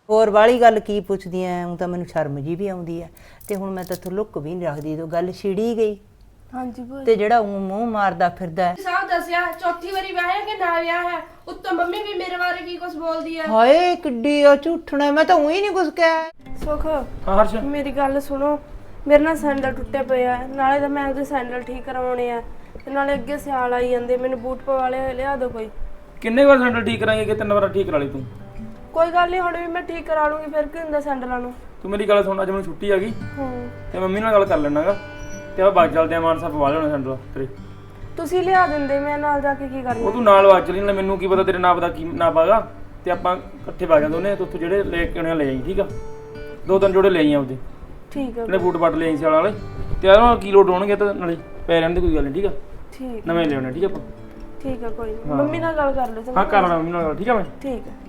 ਹੋਰ ਵਾਲੀ ਗੱਲ ਕੀ ਪੁੱਛਦੀ ਐ? ਉਹ ਤਾਂ ਮੈਨੂੰ ਸ਼ਰਮ ਜੀ ਵੀ ਆਉਂਦੀ ਐ ਤੇ ਹੁਣ ਮੈਂ ਤਾਂ ਲੁੱਕ ਵੀ ਨਹੀਂ ਰੱਖਦੀ, ਤੋ ਗੱਲ ਛਿੜੀ ਗਈ। ਹਾਂਜੀ ਭੂਆ ਤੇ ਜਿਹੜਾ ਉਹ ਮੂੰਹ ਮਾਰਦਾ ਫਿਰਦਾ ਹੈ। ਸਾਹਿਬ ਦੱਸਿਆ ਚੌਥੀ ਵਾਰੀ ਵਿਆਹਿਆ ਕਿ ਨਾ ਵਿਆਹ ਹੈ, ਉੱਤੋਂ ਮੰਮੀ ਵੀ ਮੇਰੇ ਬਾਰੇ ਕੀ ਕੁਝ ਬੋਲਦੀ ਆ। ਹਾਏ ਕਿੱਡੀ ਆ ਝੂਠਣਾ, ਮੈਂ ਤਾਂ ਉਹੀ ਨਹੀਂ ਕੁਝ ਕਿਹਾ। ਸੁਖ ਹਾਂ ਹਰਸ਼, ਮੇਰੀ ਗੱਲ ਸੁਣੋ, ਮੇਰੇ ਨਾਲ ਸੈਂਡਲ ਟੁੱਟੇ ਪਏ ਆ, ਨਾਲੇ ਤਾਂ ਮੈਂ ਉਹਦੇ ਸੈਂਡਲ ਠੀਕ ਕਰਾਉਣੇ ਆ ਤੇ ਨਾਲੇ ਅੱਗੇ ਸਿਆਲ ਆਈ ਜਾਂਦੇ, ਮੈਨੂੰ ਬੂਟ ਪਵਾ ਲਿਆ ਦਿਓ ਕੋਈ। ਕਿੰਨੇ ਵਾਰ ਸੈਂਡਲ ਠੀਕ ਕਰਾਂਗੇ ਕਿ 3 ਵਾਰ ਠੀਕ ਕਰਾ ਲਈ ਤੂੰ? ਕੋਈ ਗੱਲ ਨਹੀਂ, ਹੁਣ ਵੀ ਮੈਂ ਠੀਕ ਕਰਾ ਲੂੰਗੀ, ਫਿਰ ਕੀ ਹੁੰਦਾ ਸੈਂਡਲਾਂ ਨੂੰ। ਤੂੰ ਮੇਰੀ ਗੱਲ ਸੁਣ, ਅੱਜ ਮੈਨੂੰ ਛੁੱਟੀ ਆ ਗਈ ਹੂੰ ਤੇ ਮੰਮੀ ਨਾਲ ਗੱਲ ਕਰ ਲੈਣਾਗਾ ਤੇ ਆਪਾਂ ਬਾਗ ਚੱਲਦੇ ਆ, ਮਾਨਸਾ ਪਵਾ ਲੈਣਾ ਸੈਂਡਲ ਤੇਰੇ। ਤੁਸੀਂ ਲਿਆ ਦਿੰਦੇ, ਮੈਂ ਨਾਲ ਜਾ ਕੇ ਕੀ ਕਰਨਾ। ਉਹ ਤੂੰ ਨਾਲ ਬਾਗ ਚਲੀ ਨਾ, ਮੈਨੂੰ ਕੀ ਪਤਾ ਤੇਰੇ ਨਾਪ ਦਾ ਕੀ ਨਾਪ ਆਗਾ, ਤੇ ਆਪਾਂ ਇਕੱਠੇ ਪਾ ਜਾਂਦੇ ਉਹਨੇ, ਤੇ ਉੱਥੋਂ ਜਿਹੜੇ ਲੈ ਕੇ ਆਉਣੇ ਲੈ ਆਈ, ਠੀਕ ਆ? 2-3 ਜੋੜੇ ਲੈ ਆਈ ਆਪਦੇ, ਠੀਕ ਹੈ ਜਿਹੜੇ ਬੂਟ ਬਾਟ ਲੈ ਆਈ ਸਿਆਲ ਵਾਲੇ, ਤੇ ਯਾਰ ਨਾਲ ਕੀ ਲੋਡ ਹੋਣਗੇ ਤਾਂ ਨਾਲੇ ਪੈ ਰਹਿਣ ਦੀ ਕੋਈ ਗੱਲ ਨਹੀਂ, ਠੀਕ ਆ? ਠੀਕ ਨਵੇਂ ਲੈ ਆਉਣੇ, ਠੀਕ ਆ ਆਪਾਂ? ਠੀਕ ਹੈ, ਕੋਈ ਨੀ। ਮੰਮੀ ਨਾਲ ਗੱਲ ਕਰ ਲਓ। ਹਾਂ ਕਰ ਲੈਣਾ ਮੰਮੀ ਨਾਲ ਗੱਲ, ਠੀਕ ਆ? ਮੈਂ ਠੀਕ ਹੈ।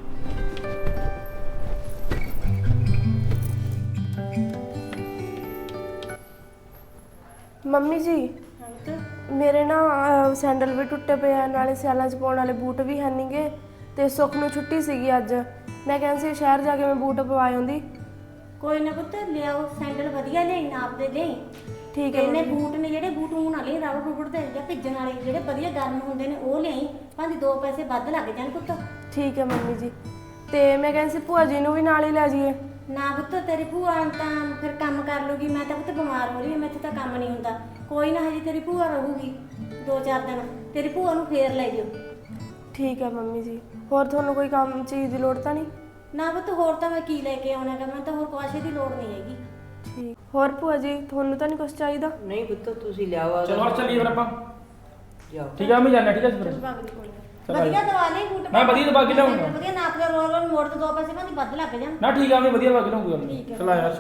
ਮੰਮੀ ਜੀ ਮੇਰੇ ਨਾ ਸੈਂਡਲ ਵੀ ਟੁੱਟੇ ਪਏ ਆ, ਨਾਲੇ ਸਿਆਲਾਂ 'ਚ ਪਾਉਣ ਵਾਲੇ ਬੂਟ ਵੀ ਹੈ ਨਹੀਂਗੇ, ਤੇ ਸੁੱਖ ਨੂੰ ਛੁੱਟੀ ਸੀਗੀ ਅੱਜ, ਮੈਂ ਕਹਿੰਦੀ ਸੀ ਸ਼ਹਿਰ ਜਾ ਕੇ ਮੈਂ ਬੂਟ ਪਵਾ ਆਉਂਦੀ। ਕੋਈ ਨਾ ਪੁੱਤ ਲਿਆਓ, ਸੈਂਡਲ ਵਧੀਆ ਲਿਆਈ, ਨਾਪ ਦੇ ਲਈ। ਠੀਕ ਹੈ ਇਹਨੇ ਬੂਟ ਨੇ ਜਿਹੜੇ ਬੂਟ ਹੁਣ ਵਾਲੇ ਰਬੜ ਰੁਬੜ ਦੇ ਜਾਂ ਭਿੱਜਣ ਵਾਲੇ ਜਿਹੜੇ ਵਧੀਆ ਗਰਮ ਹੁੰਦੇ ਨੇ ਉਹ ਲਿਆਈ, ਭਾਵੇਂ 2 ਪੈਸੇ ਵੱਧ ਲੱਗ ਜਾਣ ਪੁੱਤ। ਠੀਕ ਹੈ ਮੰਮੀ ਜੀ, ਤੇ ਮੈਂ ਕਹਿੰਦੀ ਸੀ ਭੂਆ ਜੀ ਨੂੰ ਵੀ ਨਾਲ ਹੀ ਲੈ ਜਾਈਏ। ਨਾ ਪੁੱਤ ਤੇਰੀ ਭੂਆ ਤਾਂ ਫਿਰ ਕੰਮ ਕਰ ਲੂਗੀ, ਮੈਂ ਤਾਂ ਪੁੱਤ ਬਿਮਾਰ ਹੋ ਰਹੀ ਹਾਂ, ਮੈਥੇ ਤਾਂ ਕੰਮ ਨਹੀਂ ਹੁੰਦਾ। ਕੋਈ ਨਾ ਹਜੇ ਤੇਰੀ ਭੂਆ ਰਹੂਗੀ 2-4 ਦਿਨ, ਤੇਰੀ ਭੂਆ ਨੂੰ ਫੇਰ ਲੈ ਜਿਓ। ਠੀਕ ਹੈ ਮੰਮੀ ਜੀ, ਹੋਰ ਤੁਹਾਨੂੰ ਕੋਈ ਕੰਮ ਚੀਜ਼ ਦੀ ਲੋੜ ਤਾਂ ਨਹੀਂ? ਨਾ ਪੁੱਤ ਹੋਰ ਤਾਂ ਮੈਂ ਕੀ ਲੈ ਕੇ ਆਉਣਾ ਗਾ, ਮੈਂ ਤਾਂ ਹੋਰ ਕੁਆਸ਼ੇ ਦੀ ਲੋੜ ਨਹੀਂ ਹੈਗੀ। ਠੀਕ, ਹੋਰ ਭੂਆ ਜੀ ਤੁਹਾਨੂੰ ਤਾਂ ਨਹੀਂ ਕੁਝ ਚਾਹੀਦਾ? ਨਹੀਂ ਪੁੱਤ ਤੁਸੀਂ ਲਿਆਓ। ਚਲੋ ਹਰ ਚੱਲੀਏ ਫਿਰ ਆਪਾਂ, ਜਾਓ। ਠੀਕ ਆ? ਮੈਂ ਜਾਣਾ, ਠੀਕ ਆ? ਫਿਰ ਵਧੀਆ ਦਵਾ ਲਈ ਬੂਟ, ਮੈਂ ਵਧੀਆ ਦਵਾ ਕੇ ਲਿਆਉਂਗਾ। ਵਧੀਆ ਨਾਪ ਦੇ ਰੋਲ ਮੋੜ ਤੇ 2 ਪੈਸੇ ਭਾਵੇਂ ਵੱਧ ਲੱਗ ਜਾਣ। ਨਾ ਠੀਕ ਆ, ਮੈਂ ਵਧੀਆ ਦਵਾ ਕੇ ਲਿਆਉਂਗਾ। ਚਲ ਆ ਯਾਰ।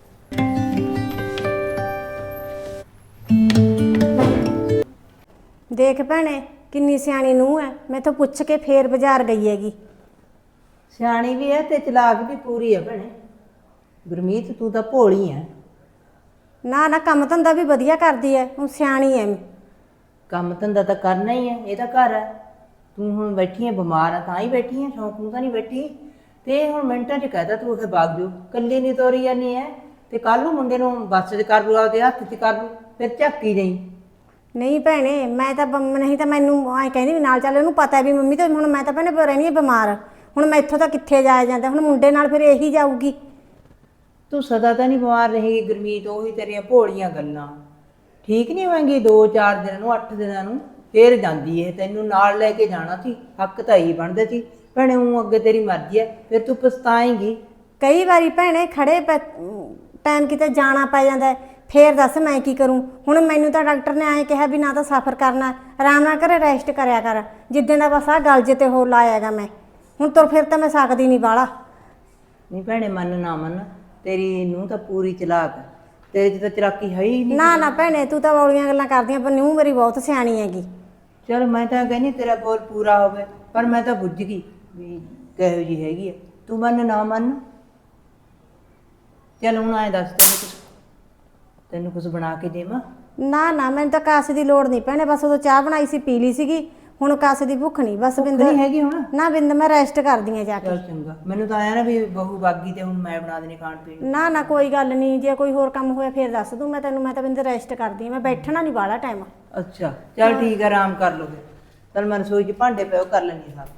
ਦੇਖ ਭੈਣੇ ਕਿੰਨੀ ਸਿਆਣੀ ਨੂੰਹ ਹੈ, ਮੈਥੋਂ ਪੁੱਛ ਕੇ ਫੇਰ ਬਾਜ਼ਾਰ ਗਈ ਹੈਗੀ। ਸਿਆਣੀ ਵੀ ਹੈ ਤੇ ਚਲਾਕ ਵੀ ਪੂਰੀ ਹੈ ਭੈਣੇ। ਗੁਰਮੀਤ ਤੂੰ ਤਾਂ ਭੋਲੀ ਹੈ। ਨਾ ਨਾ ਕੰਮ ਧੰਦਾ ਵੀ ਵਧੀਆ ਕਰਦੀ ਹੈ, ਹੁਣ ਸਿਆਣੀ ਹੈ। ਕੰਮ ਧੰਦਾ ਤਾਂ ਕਰਨਾ ਹੀ ਹੈ, ਇਹਦਾ ਘਰ ਹੈ। ਤੂੰ ਹੁਣ ਬੈਠੀ ਹੈ ਬਿਮਾਰ ਆ ਤਾਂ ਹੀ ਬੈਠੀ ਹੈ, ਸ਼ੌਂਕ ਨੂੰ ਤਾਂ ਨਹੀਂ ਬੈਠੀ। ਤੇ ਹੁਣ ਮਿੰਟਾਂ 'ਚ ਕਹਿਦਾ ਤੂੰ ਉੱਥੇ ਵਗ ਜਾਓ, ਇਕੱਲੀ ਨਹੀਂ ਤੋਰੀ ਜਾਨੀ ਹੈ। ਤੇ ਕੱਲ ਨੂੰ ਮੁੰਡੇ ਨੂੰ ਬੱਸ 'ਚ ਕਰ ਲੂ, ਆਪਦੇ ਹੱਥ 'ਚ ਕਰ ਲੂ, ਫਿਰ ਝਾਕੀ ਜਾਈ। ਨਹੀਂ ਭੈਣੇ ਮੈਂ ਤਾਂ ਨਹੀਂ ਤਾਂ ਮੈਨੂੰ ਐਂ ਕਹਿੰਦੀ ਵੀ ਨਾਲ ਚੱਲ, ਉਹਨੂੰ ਪਤਾ ਵੀ ਮੰਮੀ ਤਾਂ ਹੁਣ ਮੈਂ ਤਾਂ ਭੈਣੇ ਰਹਿੰਦੀ ਹਾਂ ਬਿਮਾਰ, ਹੁਣ ਮੈਥੋਂ ਤਾਂ ਕਿੱਥੇ ਜਾਇਆ ਜਾਂਦਾ, ਹੁਣ ਮੁੰਡੇ ਨਾਲ ਫਿਰ ਇਹੀ ਜਾਊਗੀ। ਤੂੰ ਸਦਾ ਤਾਂ ਨਹੀਂ ਬਿਮਾਰ ਰਹੇਗੀ ਗੁਰਮੀਤ, ਉਹੀ ਤੇਰੀਆਂ ਭੋਲੀਆਂ ਗੱਲਾਂ ਠੀਕ ਨਹੀਂ ਹੋਣਗੀ। 2-4 ਦਿਨਾਂ ਨੂੰ 8 ਦਿਨਾਂ ਨੂੰ ਫੇਰ ਜਾਂਦੀ ਹੈ, ਤੈਨੂੰ ਨਾਲ ਲੈ ਕੇ ਜਾਣਾ ਸੀ, ਹੱਕ ਤਾਂ ਹੀ ਬਣਦੇ ਸੀ ਭੈਣੇ। ਉਹ ਅੱਗੇ ਤੇਰੀ ਮਰਜ਼ੀ ਹੈ, ਫਿਰ ਤੂੰ ਪਛਤਾਏਂਗੀ। ਕਈ ਵਾਰੀ ਭੈਣੇ ਖੜੇ ਟਾਈਮ ਕਿਤੇ ਜਾਣਾ ਪੈ ਜਾਂਦਾ, ਫੇਰ ਦੱਸ ਮੈਂ ਕੀ ਕਰੂੰ। ਹੁਣ ਮੈਨੂੰ ਤਾਂ ਡਾਕਟਰ ਨੇ ਐਂ ਕਿਹਾ ਵੀ ਨਾ ਤਾਂ ਸਫ਼ਰ ਕਰਨਾ, ਆਰਾਮ ਨਾਲ ਘਰੇ ਰੈਸਟ ਕਰਿਆ ਕਰ। ਜਿੱਦਾਂ ਦਾ ਬਸ ਆਹ ਗਲ ਜੇ ਤੇ ਹੋ ਲਾਇਆਗਾ ਮੈਂ, ਹੁਣ ਤੁਰ ਫਿਰ ਤਾਂ ਮੈਂ ਸਕਦੀ ਨਹੀਂ ਬਾਹਲਾ। ਨਹੀਂ ਭੈਣੇ ਮੰਨ ਨਾ ਮੰਨ, ਤੇਰੀ ਨੂੰਹ ਤਾਂ ਪੂਰੀ ਚਲਾਕ ਹੈ, ਤੇਰੇ 'ਚ ਤਾਂ ਚਲਾਕੀ ਹੈ ਹੀ ਨਹੀਂ। ਨਾ ਨਾ ਭੈਣੇ ਤੂੰ ਤਾਂ ਬੌਲੀਆਂ ਗੱਲਾਂ ਕਰਦੀਆਂ, ਪਰ ਨੂੰਹ ਮੇਰੀ ਬਹੁਤ ਸਿਆਣੀ ਹੈਗੀ। ਚਲ ਮੈਂ ਤਾਂ ਕਹਿੰਦੀ ਤੇਰਾ ਗੋਲ ਪੂਰਾ ਹੋਵੇ, ਪਰ ਮੈਂ ਤਾਂ ਬੁੱਝ ਗਈ ਵੀ ਕਿਹੋ ਜਿਹੀ ਹੈਗੀ ਹੈ। ਤੂੰ ਮੰਨ ਨਾ ਮੰਨ, ਚੱਲ ਹੁਣ ਐਂ ਦੱਸ ਤੈਨੂੰ ਕੁਝ ਬਣਾ ਕੇ ਦੇਵਾਂ? ਨਾ ਨਾ ਮੈਨੂੰ ਤਾਂ ਕਾਸੇ ਦੀ ਲੋੜ ਨਹੀਂ ਭੈਣੇ, ਬਸ ਉਦੋਂ ਚਾਹ ਬਣਾਈ ਸੀ ਪੀ ਲਈ ਸੀਗੀ, ਹੁਣ ਕਾਸੇ ਦੀ ਭੁੱਖ ਨਹੀਂ। ਬਸ ਬਿੰਦ ਨਹੀਂ ਹੈਗੀ ਹੁਣ? ਨਾ ਬਿੰਦ ਮੈਂ ਰੈਸਟ ਕਰਦੀ ਆ ਜਾ ਕੇ। ਚਲ ਚੰਗਾ, ਮੈਨੂੰ ਤਾਂ ਆਇਆ ਨਾ ਵੀ ਬਹੂ ਬਾਗੀ ਤੇ ਹੁਣ ਮੈਂ ਬਣਾ ਦੇਣੀ ਖਾਣ ਪੀਣ ਨੂੰ। ਨਾ ਨਾ ਕੋਈ ਗੱਲ ਨਹੀਂ, ਜੇ ਕੋਈ ਹੋਰ ਕੰਮ ਹੋਇਆ ਫੇਰ ਦੱਸ ਦੂੰ ਮੈਂ ਤੈਨੂੰ। ਮੈਂ ਤਾਂ ਬਿੰਦ ਰੈਸਟ ਕਰਦੀ ਆ, ਮੈਂ ਬੈਠਣਾ ਨਹੀਂ ਬਾਹਲਾ ਟਾਈਮ। ਅੱਛਾ ਚਲ ਠੀਕ ਹੈ, ਆਰਾਮ ਕਰ ਲਓ ਫਿਰ। ਚਲ ਮੈਂ ਰਸੋਈ 'ਚ ਭਾਂਡੇ ਪਿਓ ਕਰ ਲੈਂਦੀ ਸਾਂ।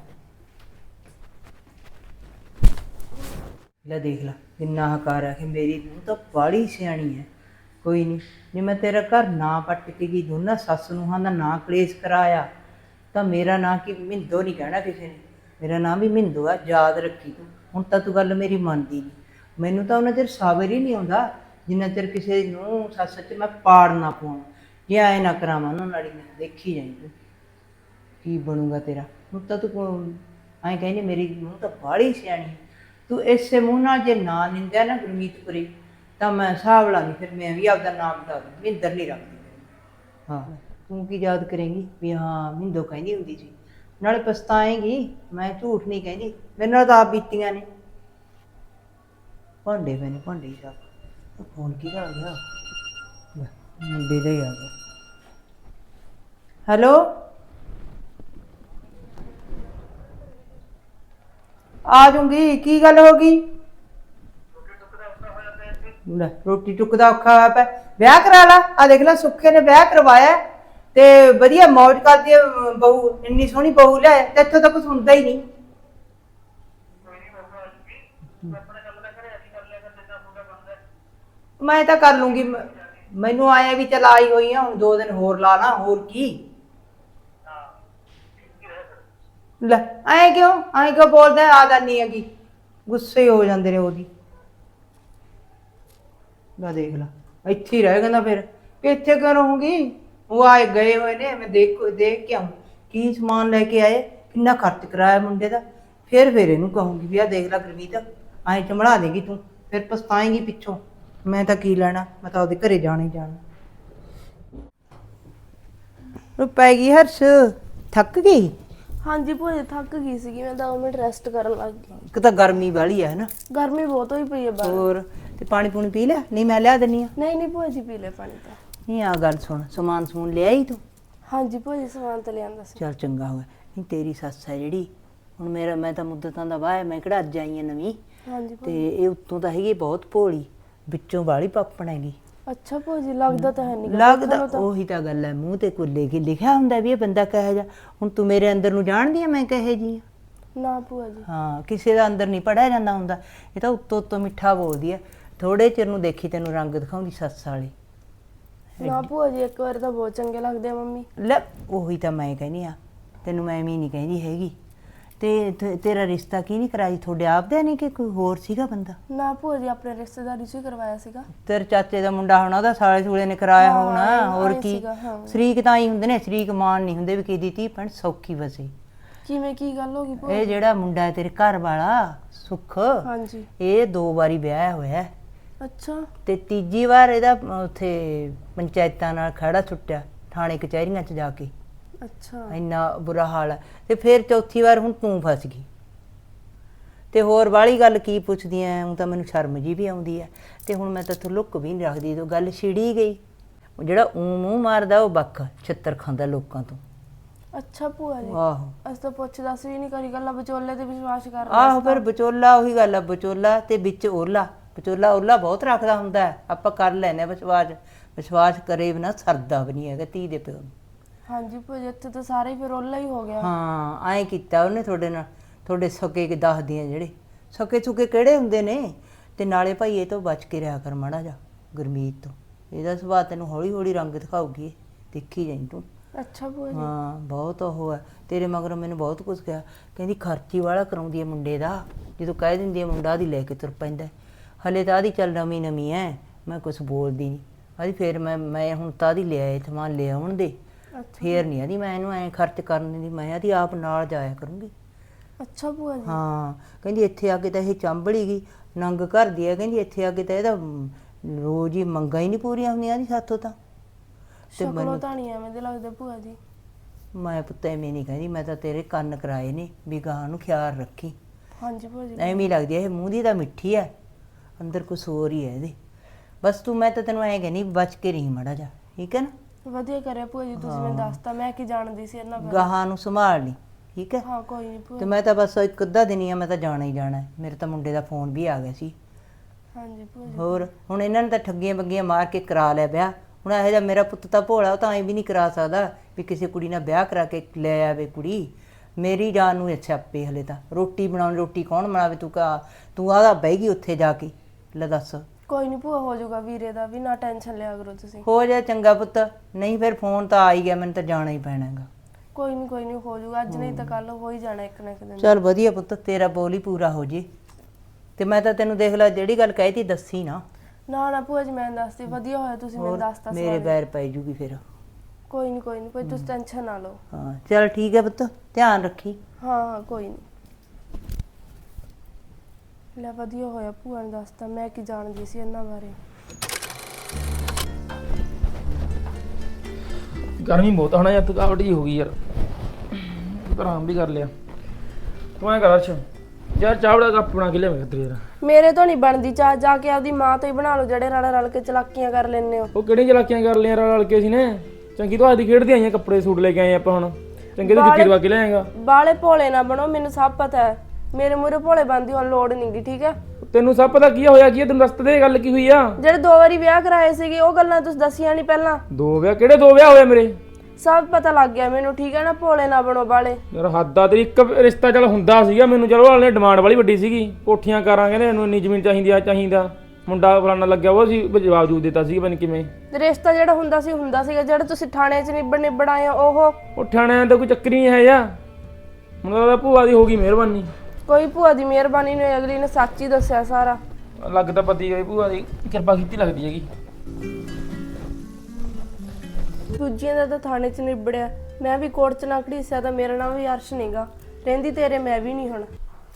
ਲੈ ਦੇਖ ਲੈ ਕਿੰਨਾ ਹਕਾਰ ਹੈ ਕਿ ਮੇਰੀ ਨੂੰਹ ਤਾਂ ਬਾਹਲੀ ਸਿਆਣੀ ਹੈ। ਕੋਈ ਨਹੀਂ, ਜੇ ਮੈਂ ਤੇਰਾ ਘਰ ਨਾ ਪੱਟ ਕੇ ਗਈ, ਦੋਨਾਂ ਸੱਸ ਨੂੰਹਾਂ ਦਾ ਨਾਂ ਕਲੇਸ਼ ਕਰਾਇਆ, ਤਾਂ ਮੇਰਾ ਨਾਂ ਕੀ ਮਿੰਦੋ ਨਹੀਂ ਕਹਿਣਾ ਕਿਸੇ ਨੇ, ਮੇਰਾ ਨਾਂ ਵੀ ਮਿੰਦੋ ਆ, ਯਾਦ ਰੱਖੀ ਤੂੰ। ਹੁਣ ਤਾਂ ਤੂੰ ਗੱਲ ਮੇਰੀ ਮੰਨਦੀ ਨਹੀਂ, ਮੈਨੂੰ ਤਾਂ ਉਹਨਾਂ ਚਿਰ ਸਾਬਰ ਹੀ ਨਹੀਂ ਆਉਂਦਾ ਜਿੰਨਾ ਚਿਰ ਕਿਸੇ ਨੂੰ ਸੱਸ 'ਚ ਮੈਂ ਪਾੜ ਨਾ ਪਾਉਂ। ਜੇ ਆਏ ਨਾ ਕਰਾਵਾਂ ਉਹਨਾਂ ਨਾਲ ਹੀ, ਮੈਂ ਦੇਖੀ ਜਾਈਂ ਤੂੰ ਕੀ ਬਣੂਗਾ ਤੇਰਾ। ਹੁਣ ਤਾਂ ਤੂੰ ਐਂ ਕਹਿੰਦੀ ਮੇਰੀ ਨੂੰਹ ਤਾਂ ਬਾਹਲੀ ਸਿਆਣੀ ਹੈ। ਤੂੰ ਇਸੇ ਮੂੰਹ ਨਾਲ ਜੇ ਨਾ ਨਿੰਦਿਆ ਨਾ ਗੁਰਮੀਤਪੁਰੀ, ਤਾਂ ਮੈਂ ਹਿਸਾਬ ਲਾ ਲਈ, ਫਿਰ ਮੈਂ ਵੀ ਆਪਦਾ ਨਾਮ ਬਤਾ ਦੂੰ, ਮਿੰਦਰ ਨਹੀਂ ਰੱਖਦੀ। ਹਾਂ ਤੂੰ ਕੀ ਯਾਦ ਕਰੇਂਗੀ ਵੀ ਹਾਂ ਮਿੰਦੋ ਕਹਿੰਦੀ ਹੁੰਦੀ ਸੀ, ਨਾਲੇ ਪਛਤਾਏਂਗੀ। ਮੈਂ ਝੂਠ ਨਹੀਂ ਕਹਿੰਦੀ, ਮੇਰੇ ਨਾਲ ਤਾਂ ਆਪ ਬੀਤੀਆਂ ਨੇ। ਭਾਂਡੇ ਪਏ ਨੇ, ਭਾਂਡੇ ਹੀ ਸਾਫ਼। ਫੋਨ ਕਿਹਦਾ ਆ ਗਿਆ? ਮੁੰਡੇ ਦਾ ਹੀ ਆ ਗਿਆ। ਹੈਲੋ, ਆ ਜੂੰਗੀ। ਕੀ ਗੱਲ ਹੋ ਗਈ? ਲੈ ਰੋਟੀ ਟੁੱਕ ਦਾ ਔਖਾ ਹੋਇਆ ਪਿਆ। ਵਿਆਹ ਕਰਾ ਲਾ। ਆ ਦੇਖ ਲੈ ਸੁੱਖੇ ਨੇ ਵਿਆਹ ਕਰਵਾਇਆ ਤੇ ਵਧੀਆ ਮੌਜ ਕਰਦੀ ਆ ਬਹੂ, ਇੰਨੀ ਸੋਹਣੀ ਬਹੂ ਲਿਆਇਆ ਤੇ ਇੱਥੋਂ ਤਾਂ ਕੁਛ ਹੁੰਦਾ ਹੀ ਨਹੀਂ। ਮੈਂ ਤਾਂ ਕਰ ਲੂੰਗੀ। ਮੈਨੂੰ ਆਇਆ ਵੀ ਚਲ ਆਈ ਹੋਈ ਆ, ਹੁਣ 2 ਦਿਨ ਹੋਰ ਲਾ ਲਾ, ਹੋਰ ਕੀ। ਲੈ ਐਂ ਕਿਉਂ ਬੋਲਦਾ? ਆ ਜਾਨੀ ਹੈਗੀ, ਗੁੱਸੇ ਹੋ ਜਾਂਦੇ ਨੇ ਉਹਦੀ। ਲੈ ਦੇਖ ਲਾ ਇੱਥੇ ਹੀ ਰਹਿ ਕਹਿੰਦਾ ਫਿਰ ਕਿ ਇੱਥੇ ਕਿਉਂ ਰਹੂੰਗੀ? ਉਹ ਆਏ ਗਏ ਹੋਏ ਨੇ, ਮੈਂ ਦੇਖ ਕੇ ਆऊं ਕੀ ਸਮਾਨ ਲੈ ਕੇ ਆਏ, ਕਿੰਨਾ ਖਰਚ ਕਰਾਇਆ ਮੁੰਡੇ ਦਾ। ਫਿਰ ਇਹਨੂੰ ਕਹੂੰਗੀ ਵੀ ਆ ਦੇਖ ਲੈ ਗੁਰਮੀਤ, ਐਂ ਚਮੜਾ ਦੇਗੀ ਤੂੰ, ਫਿਰ ਪਛਤਾਏਂਗੀ ਪਿੱਛੋਂ। ਮੈਂ ਤਾਂ ਕੀ ਲੈਣਾ, ਮੈਂ ਤਾਂ ਉਹਦੇ ਘਰੇ ਜਾਣਾ ਹੀ ਜਾਣਾ। ਉਹ ਪੈ ਗਈ ਹਰਸ਼, ਥੱਕ ਗਈ? ਹਾਂਜੀ ਭੂਆ ਜੀ ਥੱਕ ਗਈ ਸੀਗੀ, ਮੈਂ 2 ਮਿੰਟ ਰੈਸਟ ਕਰਨ ਲੱਗ ਗਈ। ਇੱਕ ਤਾਂ ਗਰਮੀ ਵਾਲੀ ਹੈ ਨਾ, ਗਰਮੀ ਬਹੁਤ ਹੋਈ ਪਈ ਹੈ ਬਾਹਰ। ਹੋਰ ਤੇ ਪਾਣੀ ਪੂਣੀ ਪੀ ਲਿਆ? ਨਹੀਂ ਮੈਂ ਲਿਆ ਦਿੰਨੀ ਆ। ਨਹੀਂ ਭੂਆ ਜੀ ਪੀ ਲੈ ਪਾਣੀ ਤਾਂ। ਨਹੀਂ ਆ ਗੱਲ ਸੁਣ, ਸਮਾਨ ਸਮੂਨ ਲਿਆਈ ਤੂੰ? ਹਾਂਜੀ ਭੂਆ ਜੀ ਸਮਾਨ ਤਾਂ ਲਿਆਂਦਾ ਸੀ। ਚੱਲ ਚੰਗਾ ਹੋਇਆ। ਨਹੀਂ ਤੇਰੀ ਸੱਸ ਹੈ ਜਿਹੜੀ, ਹੁਣ ਮੈਂ ਤਾਂ ਮੁੱਦਤਾਂ ਦਾ ਵਾਹ, ਮੈਂ ਕਿਹੜਾ ਅੱਜ ਆਈ ਆ ਨਵੀਂ। ਹਾਂਜੀ ਤੇ ਇਹ ਉੱਤੋਂ ਤਾਂ ਹੈਗੀ ਬਹੁਤ ਭੋਲੀ, ਵਿੱਚੋਂ ਵਾਲੀ ਪਾਪਣ ਹੈਗੀ। ਅੱਛਾ ਭੂਆ ਜੀ ਲੱਗਦਾ ਤਾਂ ਹੈ ਨਹੀਂ। ਲੱਗਦਾ ਉਹੀ ਤਾਂ ਗੱਲ ਹੈ, ਮੂੰਹ ਤੇ ਕੁੱਲੇ ਕੀ ਲਿਖਿਆ ਹੁੰਦਾ ਵੀ ਇਹ ਬੰਦਾ ਕਹੇ ਜਾ। ਹੁਣ ਤੂੰ ਮੇਰੇ ਅੰਦਰ ਨੂੰ ਜਾਣਦੀ ਆ ਮੈਂ ਕਹੇ ਜੀ ਆ? ਨਾ ਭੂਆ ਜੀ। ਹਾਂ ਕਿਸੇ ਦਾ ਅੰਦਰ ਨਹੀਂ ਪੜਿਆ ਜਾਂਦਾ ਹੁੰਦਾ, ਇਹ ਤਾਂ ਉੱਤੋਂ ਮਿੱਠਾ ਬੋਲਦੀ ਆ। ਥੋੜੇ ਚਿਰ ਨੂੰ ਦੇਖੀ ਤੈਨੂੰ ਰੰਗ ਦਿਖਾਉਂਦੀ ਸੱਸ ਵਾਲੇ। ਨਾ ਭੂਆ ਜੀ ਇੱਕ ਵਾਰ ਤਾਂ ਬਹੁਤ ਚੰਗੇ ਲੱਗਦੇ ਆ ਮੰਮੀ। ਲੈ ਉਹੀ ਤਾਂ ਮੈਂ ਕਹਿੰਦੀ ਆ, ਤੈਨੂੰ ਮੈਂ ਐਵੇਂ ਨਹੀਂ ਕਹਿੰਦੀ ਹੈਗੀ। ਤੇ ਤੇਰਾ ਰਿਸ਼ਤਾ ਕੀ ਨਹੀਂ ਕਰਾਈ? ਤੁਹਾਡੇ ਆਪ ਦਾ ਨਹੀਂ ਕਿ ਕੋਈ ਹੋਰ ਸੀਗਾ ਬੰਦਾ? ਨਾ ਭੂਆ ਜੀ ਆਪਣੇ ਰਿਸ਼ਤੇਦਾਰੀ ਚ ਹੀ ਕਰਵਾਇਆ ਸੀਗਾ। ਤੇਰੇ ਚਾਚੇ ਦਾ ਮੁੰਡਾ ਹੋਣਾ, ਉਹਦਾ ਸਾਲੇ ਸੂਲੇ ਨੇ ਕਰਾਇਆ ਹੋਣਾ, ਹੋਰ ਕੀ। ਸ਼ਰੀਕ ਤਾਂ ਹੀ ਹੁੰਦੇ ਨੇ, ਸ਼ਰੀਕ ਮਾਨ ਨਹੀਂ ਹੁੰਦੇ ਵੀ ਕਿਹਦੀ ਧੀ ਭੈਣ ਸੌਖੀ ਵਸੇ। ਕਿਵੇਂ ਕੀ ਗੱਲ ਹੋ ਗਈ ਭੂਆ? ਇਹ ਜਿਹੜਾ ਮੁੰਡਾ ਹੈ ਤੇਰੇ ਘਰ ਵਾਲਾ ਸੁੱਖ, ਹਾਂਜੀ ਇਹ 2 ਵਾਰੀ ਵਿਆਹ ਹੋਇਆ ਅੱਛਾ। ਤੇ ਤੀਜੀ ਵਾਰ ਇਹਦਾ ਉੱਥੇ ਪੰਚਾਇਤਾਂ ਨਾਲ ਖੜਾ ਛੁੱਟਿਆ, ਥਾਣੇ ਕਚਹਿਰੀਆਂ 'ਚ ਜਾ ਕੇ। ਅੱਛਾ ਇੰਨਾ ਬੁਰਾ ਹਾਲ ਹੈ। ਤੇ ਫਿਰ ਚੌਥੀ ਵਾਰ ਹੁਣ ਤੂੰ ਫਸ ਗਈ। ਤੇ ਹੋਰ ਵਾਲੀ ਗੱਲ ਕੀ ਪੁੱਛਦੀ ਐ? ਹੁਣ ਤਾਂ ਮੈਨੂੰ ਸ਼ਰਮ ਜੀ ਵੀ ਆਉਂਦੀ ਐ। ਤੇ ਹੁਣ ਮੈਂ ਤਾਂ ਲੁੱਕ ਵੀ ਨਹੀਂ ਰੱਖਦੀ, ਜਦੋਂ ਗੱਲ ਛਿੜੀ ਗਈ। ਜਿਹੜਾ ਮੂੰਹ ਮਾਰਦਾ ਉਹ ਬੱਕ ਛਿੱਤਰ ਖਾਂਦਾ ਲੋਕਾਂ ਤੋਂ। ਅੱਛਾ ਭੂਆ ਜੀ ਆਹੋ ਅਸੀਂ ਤਾਂ ਪੁੱਛ ਦੱਸ ਵੀ ਨਹੀਂ ਕਰੀ, ਗੱਲਾਂ ਵਿਚੋਲੇ ਤੇ ਵਿਸ਼ਵਾਸ ਕਰ ਰਹੇ। ਆਹੋ ਫਿਰ ਵਿਚੋਲਾ, ਉਹੀ ਗੱਲ ਆ, ਵਿਚੋਲਾ ਤੇ ਵਿੱਚ ਓਲਾ। ਵਿਚੋਲਾ ਓਲਾ ਬਹੁਤ ਰੱਖਦਾ ਹੁੰਦਾ ਹੈ, ਆਪਾਂ ਕਰ ਲੈਨੇ ਵਿਸ਼ਵਾਸ ਕਰੇ ਬਿਨਾ ਸਰਦਾ ਵੀ ਨਹੀਂ ਹੈਗਾ ਧੀ ਦੇ ਪਿਓ ਨੂੰ। ਹਾਂਜੀ ਭੂਆ ਜੀ ਇੱਥੇ ਤਾਂ ਸਾਰੇ ਹੀ ਫਿਰ ਓਲਾ ਹੀ ਹੋ ਗਿਆ। ਹਾਂ ਐਂ ਕੀਤਾ ਉਹਨੇ ਤੁਹਾਡੇ ਨਾਲ, ਤੁਹਾਡੇ ਸਕੇ ਕੇ ਦੱਸਦੀਆਂ ਜਿਹੜੇ ਸਕੇ ਚੁਕੇ ਕਿਹੜੇ ਹੁੰਦੇ ਨੇ। ਤੇ ਨਾਲੇ ਭਾਈ ਇਹ ਤੋਂ ਬਚ ਕੇ ਰਿਹਾ ਕਰ ਮਾੜਾ ਜਾ ਗੁਰਮੀਤ ਤੋਂ, ਇਹਦਾ ਸੁਭਾਅ ਤੈਨੂੰ ਹੌਲੀ ਹੌਲੀ ਰੰਗ ਦਿਖਾਊਗੀ, ਦੇਖੀ ਜਾਈਂ ਤੂੰ। ਅੱਛਾ ਭੂਆ ਜੀ। ਹਾਂ ਬਹੁਤ ਉਹ ਹੈ ਤੇਰੇ ਮਗਰੋਂ, ਮੈਨੂੰ ਬਹੁਤ ਕੁਝ ਕਿਹਾ, ਕਹਿੰਦੀ ਖਰਚੀ ਵਾਲਾ ਕਰਾਉਂਦੀ ਹੈ ਮੁੰਡੇ ਦਾ। ਜਦੋਂ ਕਹਿ ਦਿੰਦੀ ਹੈ ਮੁੰਡਾ ਦੀ ਲੈ ਕੇ ਤੁਰ ਪੈਂਦਾ। ਹਲੇ ਤਾਂ ਆਦੀ ਚੱਲ ਨਵੀਂ ਹੈ, ਮੈਂ ਕੁਛ ਬੋਲਦੀ ਨਹੀਂ ਆਦੀ। ਫਿਰ ਮੈਂ ਹੁਣ ਤਾਂ ਆਦੀ ਲਿਆਏ ਸਮਾਨ ਲੈ ਆਉਣ ਦੇ, ਫੇਰ ਨਹੀਂ ਆਦੀ ਮੈਂ ਇਹਨੂੰ ਐਂ ਖਰਚ ਕਰਨ ਦੀ, ਮੈਂ ਆਦੀ ਆਪ ਨਾਲ ਜਾਇਆ ਕਰੂੰਗੀ। ਅੱਛਾ ਭੂਆ ਜੀ। ਹਾਂ ਕਹਿੰਦੀ ਇੱਥੇ ਆ ਕੇ ਤਾਂ ਇਹ ਚੰਬੜੀ ਗਈ, ਨੰਗ ਕਰਦੀ ਹੈ। ਕਹਿੰਦੀ ਇੱਥੇ ਆ ਕੇ ਤਾਂ ਇਹਦਾ ਰੋਜ਼ ਹੀ ਮੰਗਾਂ ਹੀ ਨਹੀਂ ਪੂਰੀਆਂ ਹੁੰਦੀਆਂ ਦੀ ਸਾਥੋਂ ਤਾਂ। ਸ਼ਕਲੋਂ ਤਾਂ ਨਹੀਂ ਐਵੇਂ ਦੇ ਲੱਗਦੇ ਭੂਆ ਜੀ। ਮੈਂ ਪੁੱਤ ਐਵੇਂ ਨਹੀਂ ਕਹਿੰਦੀ, ਮੈਂ ਤਾਂ ਤੇਰੇ ਕੰਨ ਕਰਾਏ ਨੇ ਵੀ ਗਾਂ ਨੂੰ ਖਿਆਲ ਰੱਖੀ। ਹਾਂਜੀ ਭੂਆ ਜੀ। ਐਵੇਂ ਲੱਗਦੀ ਹੈ ਇਹ ਮੂੰਹ ਦੀ ਤਾਂ ਮਿੱਠੀ ਹੈ, ਅੰਦਰ ਕੁਛ ਹੋਰ ਹੀ ਹੈ ਇਹਦੇ। ਬਸ ਤੂੰ, ਮੈਂ ਤਾਂ ਤੈਨੂੰ ਐਂ ਕਹਿੰਦੀ ਬਚ ਕੇ ਰਹੀ ਮਾੜਾ ਜਾ, ਠੀਕ ਹੈ ਨਾ? ਵਧੀਆ ਕਰਿਆ ਭੂਆ ਜੀ ਤੁਸੀਂ ਮੈਨੂੰ ਦੱਸਤਾ, ਮੈਂ ਕੀ ਜਾਣਦੀ ਸੀ ਇਹਨਾਂ ਬਾਰੇ। ਗਾਹਾਂ ਨੂੰ ਸੰਭਾਲ ਲਈ, ਠੀਕ ਹੈ? ਹਾਂ ਕੋਈ ਨਹੀਂ ਭੂਆ। ਤੇ ਮੈਂ ਤਾਂ ਬਸ ਇੱਕ ਅੱਧਾ ਦਿਨ ਹੀ ਆ, ਮੈਂ ਤਾਂ ਜਾਣਾ ਹੀ ਜਾਣਾ। ਮੇਰੇ ਤਾਂ ਮੁੰਡੇ ਦਾ ਫੋਨ ਵੀ ਆ ਗਿਆ ਸੀ। ਹਾਂਜੀ ਭੂਆ ਜੀ। ਹੋਰ ਹੁਣ ਇਹਨਾਂ ਨੇ ਤਾਂ ਠੱਗੀਆਂ ਬੱਗੀਆਂ ਮਾਰ ਕੇ ਕਰਾ ਲਿਆ ਵਿਆਹ। ਹੁਣ ਇਹੋ ਜਿਹਾ ਮੇਰਾ ਪੁੱਤ ਤਾਂ ਭੋਲਾ, ਉਹ ਤਾਂ ਐਂ ਵੀ ਨਹੀਂ ਕਰਾ ਸਕਦਾ ਵੀ ਕਿਸੇ ਕੁੜੀ ਨਾਲ ਵਿਆਹ ਕਰਾ ਕੇ ਲੈ ਆਵੇ ਕੁੜੀ। ਮੇਰੀ ਜਾਨ ਨੂੰ ਅੱਛਾ ਆਪੇ ਹਲੇ ਤਾਂ ਰੋਟੀ ਬਣਾਉਣੀ, ਰੋਟੀ ਕੌਣ ਬਣਾਵੇ? ਤੂੰ ਆਦਾ ਬਹਿ ਗਈ ਉੱਥੇ ਜਾ ਕੇ, ਲੈ ਦੱਸ। ਕੋਈ ਨਹੀਂ ਭੂਆ ਹੋ ਜਾਊਗਾ ਵੀਰੇ ਦਾ ਵੀ, ਨਾ ਟੈਨਸ਼ਨ ਲਿਆ ਕਰੋ ਤੁਸੀਂ। ਹੋ ਜਾ ਚੰਗਾ ਪੁੱਤ, ਨਹੀਂ ਫਿਰ ਫੋਨ ਤਾਂ ਆ ਹੀ ਗਿਆ, ਮੈਨੂੰ ਤਾਂ ਜਾਣਾ ਹੀ ਪੈਣਾ ਹੈਗਾ। ਕੋਈ ਨਹੀਂ ਹੋ ਜਾਊਗਾ, ਅੱਜ ਨਹੀਂ ਤਾਂ ਕੱਲ ਹੋ ਹੀ ਜਾਣਾ ਇੱਕ ਨਾ ਇੱਕ ਦਿਨ। ਚੱਲ ਵਧੀਆ ਪੁੱਤ, ਤੇਰਾ ਬੋਲ ਹੀ ਪੂਰਾ ਹੋ ਜੇ। ਤੇ ਮੈਂ ਤਾਂ ਤੈਨੂੰ ਦੇਖ ਲੈ ਜਿਹੜੀ ਗੱਲ ਕਹੀ ਤੀ ਦੱਸੀ ਨਾ। ਨਾ ਭੂਆ ਜੀ ਮੈਂ ਦੱਸਦੀ, ਵਧੀਆ ਹੋਇਆ ਤੁਸੀਂ ਮੈਨੂੰ ਦੱਸਤਾ। ਮੇਰੇ ਬੈਰ ਪੈ ਜੂਗੀ ਫਿਰ। ਕੋਈ ਨਹੀਂ ਕੋਈ ਤੁਸੀਂ ਟੈਨਸ਼ਨ ਨਾ ਲਓ। ਹਾਂ ਚੱਲ ਠੀਕ ਹੈ ਪੁੱਤ, ਧਿਆਨ ਰੱਖੀ। ਹਾਂ ਕੋਈ ਨਹੀਂ। ਲੈ ਵਧੀਆ ਹੋਇਆ ਭੂਆ ਨੇ ਦੱਸਤਾ, ਮੈਂ ਕੀ ਜਾਣਦੀ ਸੀ ਇਹਨਾਂ ਬਾਰੇ। ਗਰਮੀ ਬਹੁਤ ਆਣਾ ਯਾਰ, ਥਕਾਵਟ ਜੀ ਹੋ ਗਈ ਯਾਰ, ਆਰਾਮ ਵੀ ਕਰ ਲਿਆ। ਤੂੰ ਐਂ ਕਰ ਅਰਸ਼, ਯਾਰ ਚਾਹ ਦਾ ਕੱਪ ਬਣਾ ਕੇ ਲਿਆਵੇਂ ਤੇਰੇ ਯਾਰ। ਮੇਰੇ ਤੋਂ ਨਹੀਂ ਬਣਦੀ ਚਾਹ, ਜਾ ਕੇ ਆਪਦੀ ਮਾਂ ਤੋਂ ਹੀ ਬਣਾ ਲਓ, ਜਿਹੜੇ ਰਲ ਕੇ ਚਲਾਕੀਆਂ ਕਰ ਲੈਂਦੇ ਹੋ। ਉਹ ਕਿਹੜੀਆਂ ਚਲਾਕੀਆਂ ਕਰ ਲਿਆ ਰਲ ਕੇ ਸੀ ਨੇ? ਚੰਗੀ ਤੋਂ ਆਦੀ ਖੇਡਦੀ ਆਈਆਂ, ਕੱਪੜੇ ਸੂਟ ਲੈ ਕੇ ਆਏ ਆਪਾਂ, ਹੁਣ ਚੰਗੇ ਤੋਂ ਜੁੱਤੀ ਦਵਾ ਕੇ ਲਿਆਏਗਾ। ਬਾਲੇ ਭੋਲੇ ਨਾ ਬਣੋ, ਮੈਨੂੰ ਸਭ ਪਤਾ ਹੈ। ਮੇਰੇ ਮੂਹਰੇ ਭੋਲੇ ਬਣਦੀ ਹੁਣ ਲੋੜ ਨਹੀਂਗੀ, ਠੀਕ ਹੈ? ਤੈਨੂੰ ਸਭ ਪਤਾ ਕੀ ਹੋਇਆ ਕੀ ਆ? ਤੈਨੂੰ ਦੱਸ ਦੇ ਗੱਲ ਕੀ ਹੋਈ ਆ? ਜਿਹੜੇ 2 ਵਾਰੀ ਵਿਆਹ ਕਰਾਏ ਸੀਗੇ ਉਹ ਗੱਲਾਂ ਤੁਸੀਂ ਦੱਸੀਆਂ ਨਹੀਂ ਪਹਿਲਾਂ। 2 ਵਿਆਹ? ਕਿਹੜੇ 2 ਵਿਆਹ ਹੋਏ ਮੇਰੇ? ਸਭ ਪਤਾ ਲੱਗ ਗਿਆ ਮੈਨੂੰ, ਠੀਕ ਹੈ ਨਾ? ਭੋਲੇ ਨਾ ਬਣੋ ਬਾਲੇ। ਯਾਰ ਹੱਦ ਆ ਤੇਰੀ। ਇੱਕ ਰਿਸ਼ਤਾ ਚੱਲ ਹੁੰਦਾ ਸੀਗਾ ਮੈਨੂੰ, ਚਲੋ ਵਾਲੇ ਨੇ ਡਿਮਾਂਡ ਵਾਲੀ ਵੱਡੀ ਸੀਗੀ, ਕੋਠੀਆਂ ਕਰਾਂਗੇ ਨੇ, ਇਹਨੂੰ ਇੰਨੀ ਜ਼ਮੀਨ ਚਾਹੀਦੀ ਆ, ਚਾਹੀਦਾ ਮੁੰਡਾ ਫਲਾਣਾ ਲੱਗਿਆ, ਉਹ ਸੀ ਜਵਾਬ ਜੂਬ ਦਿੱਤਾ ਸੀ ਪਤਾ ਕਿਵੇਂ। ਰਿਸ਼ਤਾ ਜਿਹੜਾ ਹੁੰਦਾ ਸੀਗਾ, ਜਿਹੜਾ ਤੁਸੀਂ ਥਾਣੇ 'ਚ ਨਿਬੜ ਆਏ ਹੋ ਉਹ ਠਾਣਿਆਂ ਦਾ ਕੋਈ ਚੱਕਰ ਹੀ ਨਹੀਂ ਹੈ ਯਾ। ਮੈਨੂੰ ਤਾਂ ਭੂਆ ਦੀ ਹੋ ਗਈ ਮਿਹਰਬਾਨੀ। ਕੋਈ ਭੂਆ ਦੀ ਮਿਹਰਬਾਨੀ ਨਹੀਂ, ਅਗਲੀ ਨੇ ਸੱਚ ਹੀ ਦੱਸਿਆ ਸਾਰਾ। ਲੱਗਦਾ ਪਤੀ ਗਈ ਭੂਆ ਦੀ ਕਿਰਪਾ ਕੀਤੀ ਲੱਗਦੀ ਹੈਗੀ। ਦੂਜਿਆਂ ਦਾ ਤਾਂ ਥਾਣੇ 'ਚ ਨਿਬੜਿਆ, ਮੈਂ ਵੀ ਕੋਰਟ 'ਚ ਨਾ ਘੜੀਸਿਆ ਤਾਂ ਮੇਰਾ ਨਾਮ ਵੀ ਅਰਸ਼ ਨਹੀਂਗਾ। ਰਹਿੰਦੀ ਤੇਰੇ ਮੈਂ ਵੀ ਨਹੀਂ ਹੁਣ।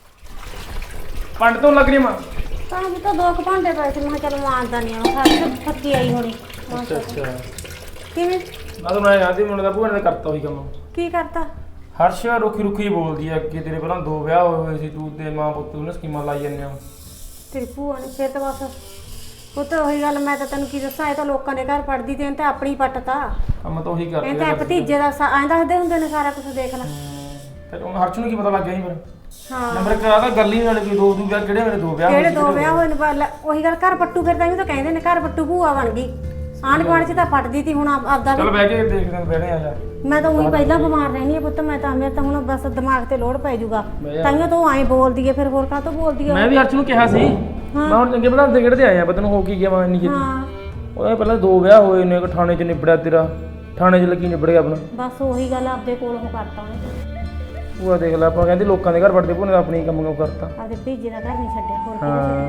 ਪੰਡ ਤੋਂ ਲੱਗਣੀ ਮਾਂ। ਤਾਂ ਵੀ ਤਾਂ 2 ਘੰਟੇ ਪਏ ਸੀ, ਮੈਂ ਕਿਹਾ ਚਲ ਮਾਰਦਾ ਨਹੀਂ ਆ, ਸਾਰੇ ਥੱਕੀ ਆਈ ਹੋਣੀ। ਅੱਛਾ ਕਿਵੇਂ? ਮੈਂ ਤਾਂ ਮੈਂ ਜਾਂਦੀ ਮੁੰਡੇ ਦਾ ਭੂਆ ਨੇ ਕਰਤਾ ਉਹੀ ਕੰਮ। ਕੀ ਕਰਤਾ? ਹਰਸ਼ ਰੁੱਖੀ ਰੁੱਖੀ ਬੋਲਦੀ ਆ, ਅੱਗੇ ਤੇਰੇ ਪਹਿਲਾਂ 2 ਵਿਆਹ ਹੋਏ ਸੀ, ਤੂੰ ਤੇ ਮਾਂ ਪੁੱਤ ਨੂੰ ਸਕੀਮਾਂ ਲਾਈ ਜਾਂਦੇ ਹੋ। ਤੇਰੀ ਭੂਆ ਨੇ ਫਿਰ ਤਾਂ ਬਸ ਉਹ ਤਾਂ ਉਹੀ ਗੱਲ, ਮੈਂ ਤਾਂ ਤੈਨੂੰ ਕੀ ਦੱਸਾਂ, ਇਹ ਤਾਂ ਲੋਕਾਂ ਦੇ ਘਰ ਪੜਦੀ ਤੇ ਇਹਨੇ ਤਾਂ ਆਪਣੀ ਪੱਟਤਾ। ਕੰਮ ਤਾਂ ਉਹੀ ਕਰਦੇ ਇਹ ਤਾਂ ਭਤੀਜੇ ਦਾ ਐਂ ਦੱਸਦੇ ਹੁੰਦੇ ਨੇ ਸਾਰਾ ਕੁਝ, ਦੇਖ ਲੈ। ਫਿਰ ਹੁਣ ਹਰਸ਼ ਨੂੰ ਕੀ ਪਤਾ ਲੱਗ ਗਿਆ ਸੀ ਫਿਰ? ਹਾਂ ਨੰਬਰ ਕਰਾ ਤਾਂ ਗੱਲ ਹੀ ਨਾਲ ਕੋਈ 2 ਵਿਆਹ ਕਿਹੜੇ ਮੇਰੇ 2 ਵਿਆਹ ਕਿਹੜੇ 2 ਵਿਆਹ ਹੋਏ ਨੇ? ਉਹੀ ਗੱਲ, ਘਰ ਪੱਟੂ ਫਿਰ ਤਾਂ ਤਾਂ ਕਹਿੰਦੇ ਨੇ ਘਰ ਪੱਟੂ ਭੂਆ ਬਣ ਗਈ। ਆਂਢ ਗੁਆਂਢ 'ਚ ਤਾਂ ਪੱਟਦੀ ਤੀ, ਹੁਣ ਆਪਦਾ ਚਲ ਬਹਿ ਕੇ ਦੇਖਦੇ ਹਾਂ, ਬਹਿਣੇ ਆ ਜਾ। ਮੈਂ ਤਾਂ ਉਹੀ ਪਹਿਲਾਂ ਬਿਮਾਰ ਰਹਿਣੀ ਆ ਪੁੱਤ, ਮੈਂ ਤਾਂ ਮੇਰੇ ਤਾਂ ਹੁਣ ਬਸ ਦਿਮਾਗ ਤੇ ਲੋੜ ਪੈ ਜਾਊਗਾ। ਤਾਈਓ ਤੂੰ ਐਂ ਬੋਲਦੀ ਏ, ਫਿਰ ਹੋਰ ਕਾਹ ਤੋਂ ਬੋਲਦੀ ਆ? ਮੈਂ ਵੀ ਹਰਸ਼ ਨੂੰ ਕਿਹਾ ਸੀ, ਮੈਂ ਹੁਣ ਚੰਗੇ ਬਣਾਉਂਦੇ ਕਿਹੜੇ ਆਏ ਆ, ਪਤਾ ਨੂੰ ਹੋ ਕੀ ਗਿਆ ਮੈਂ ਇੰਨੀ ਛੇਤੀ। ਹਾਂ ਉਹ ਪਹਿਲਾਂ 2 ਵਿਆਹ ਹੋਏ ਨੇ, ਇੱਕ ਥਾਣੇ 'ਚ ਨਿਬੜਿਆ ਤੇਰਾ, ਥਾਣੇ 'ਚ ਲੱਗੀ ਨਿਬੜ ਗਿਆ ਆਪਣਾ। ਬਸ ਉਹੀ ਗੱਲ, ਆਪਦੇ ਕੋਲ ਉਹ ਕਰਤਾ ਉਹਨੇ। ਭੂਆ ਦੇਖ ਲੈ, ਆਪਾਂ ਕਹਿੰਦੇ ਲੋਕਾਂ ਦੇ ਘਰ ਵੜਦੇ, ਭੂਆ ਨੇ ਆਪਣੀ ਕੰਮ ਕਰਤਾ। ਆਪਦੇ ਭਤੀਜੇ ਦਾ ਘਰ ਨਹੀਂ ਛੱਡਿਆ, ਹੋਰ ਹਾਂ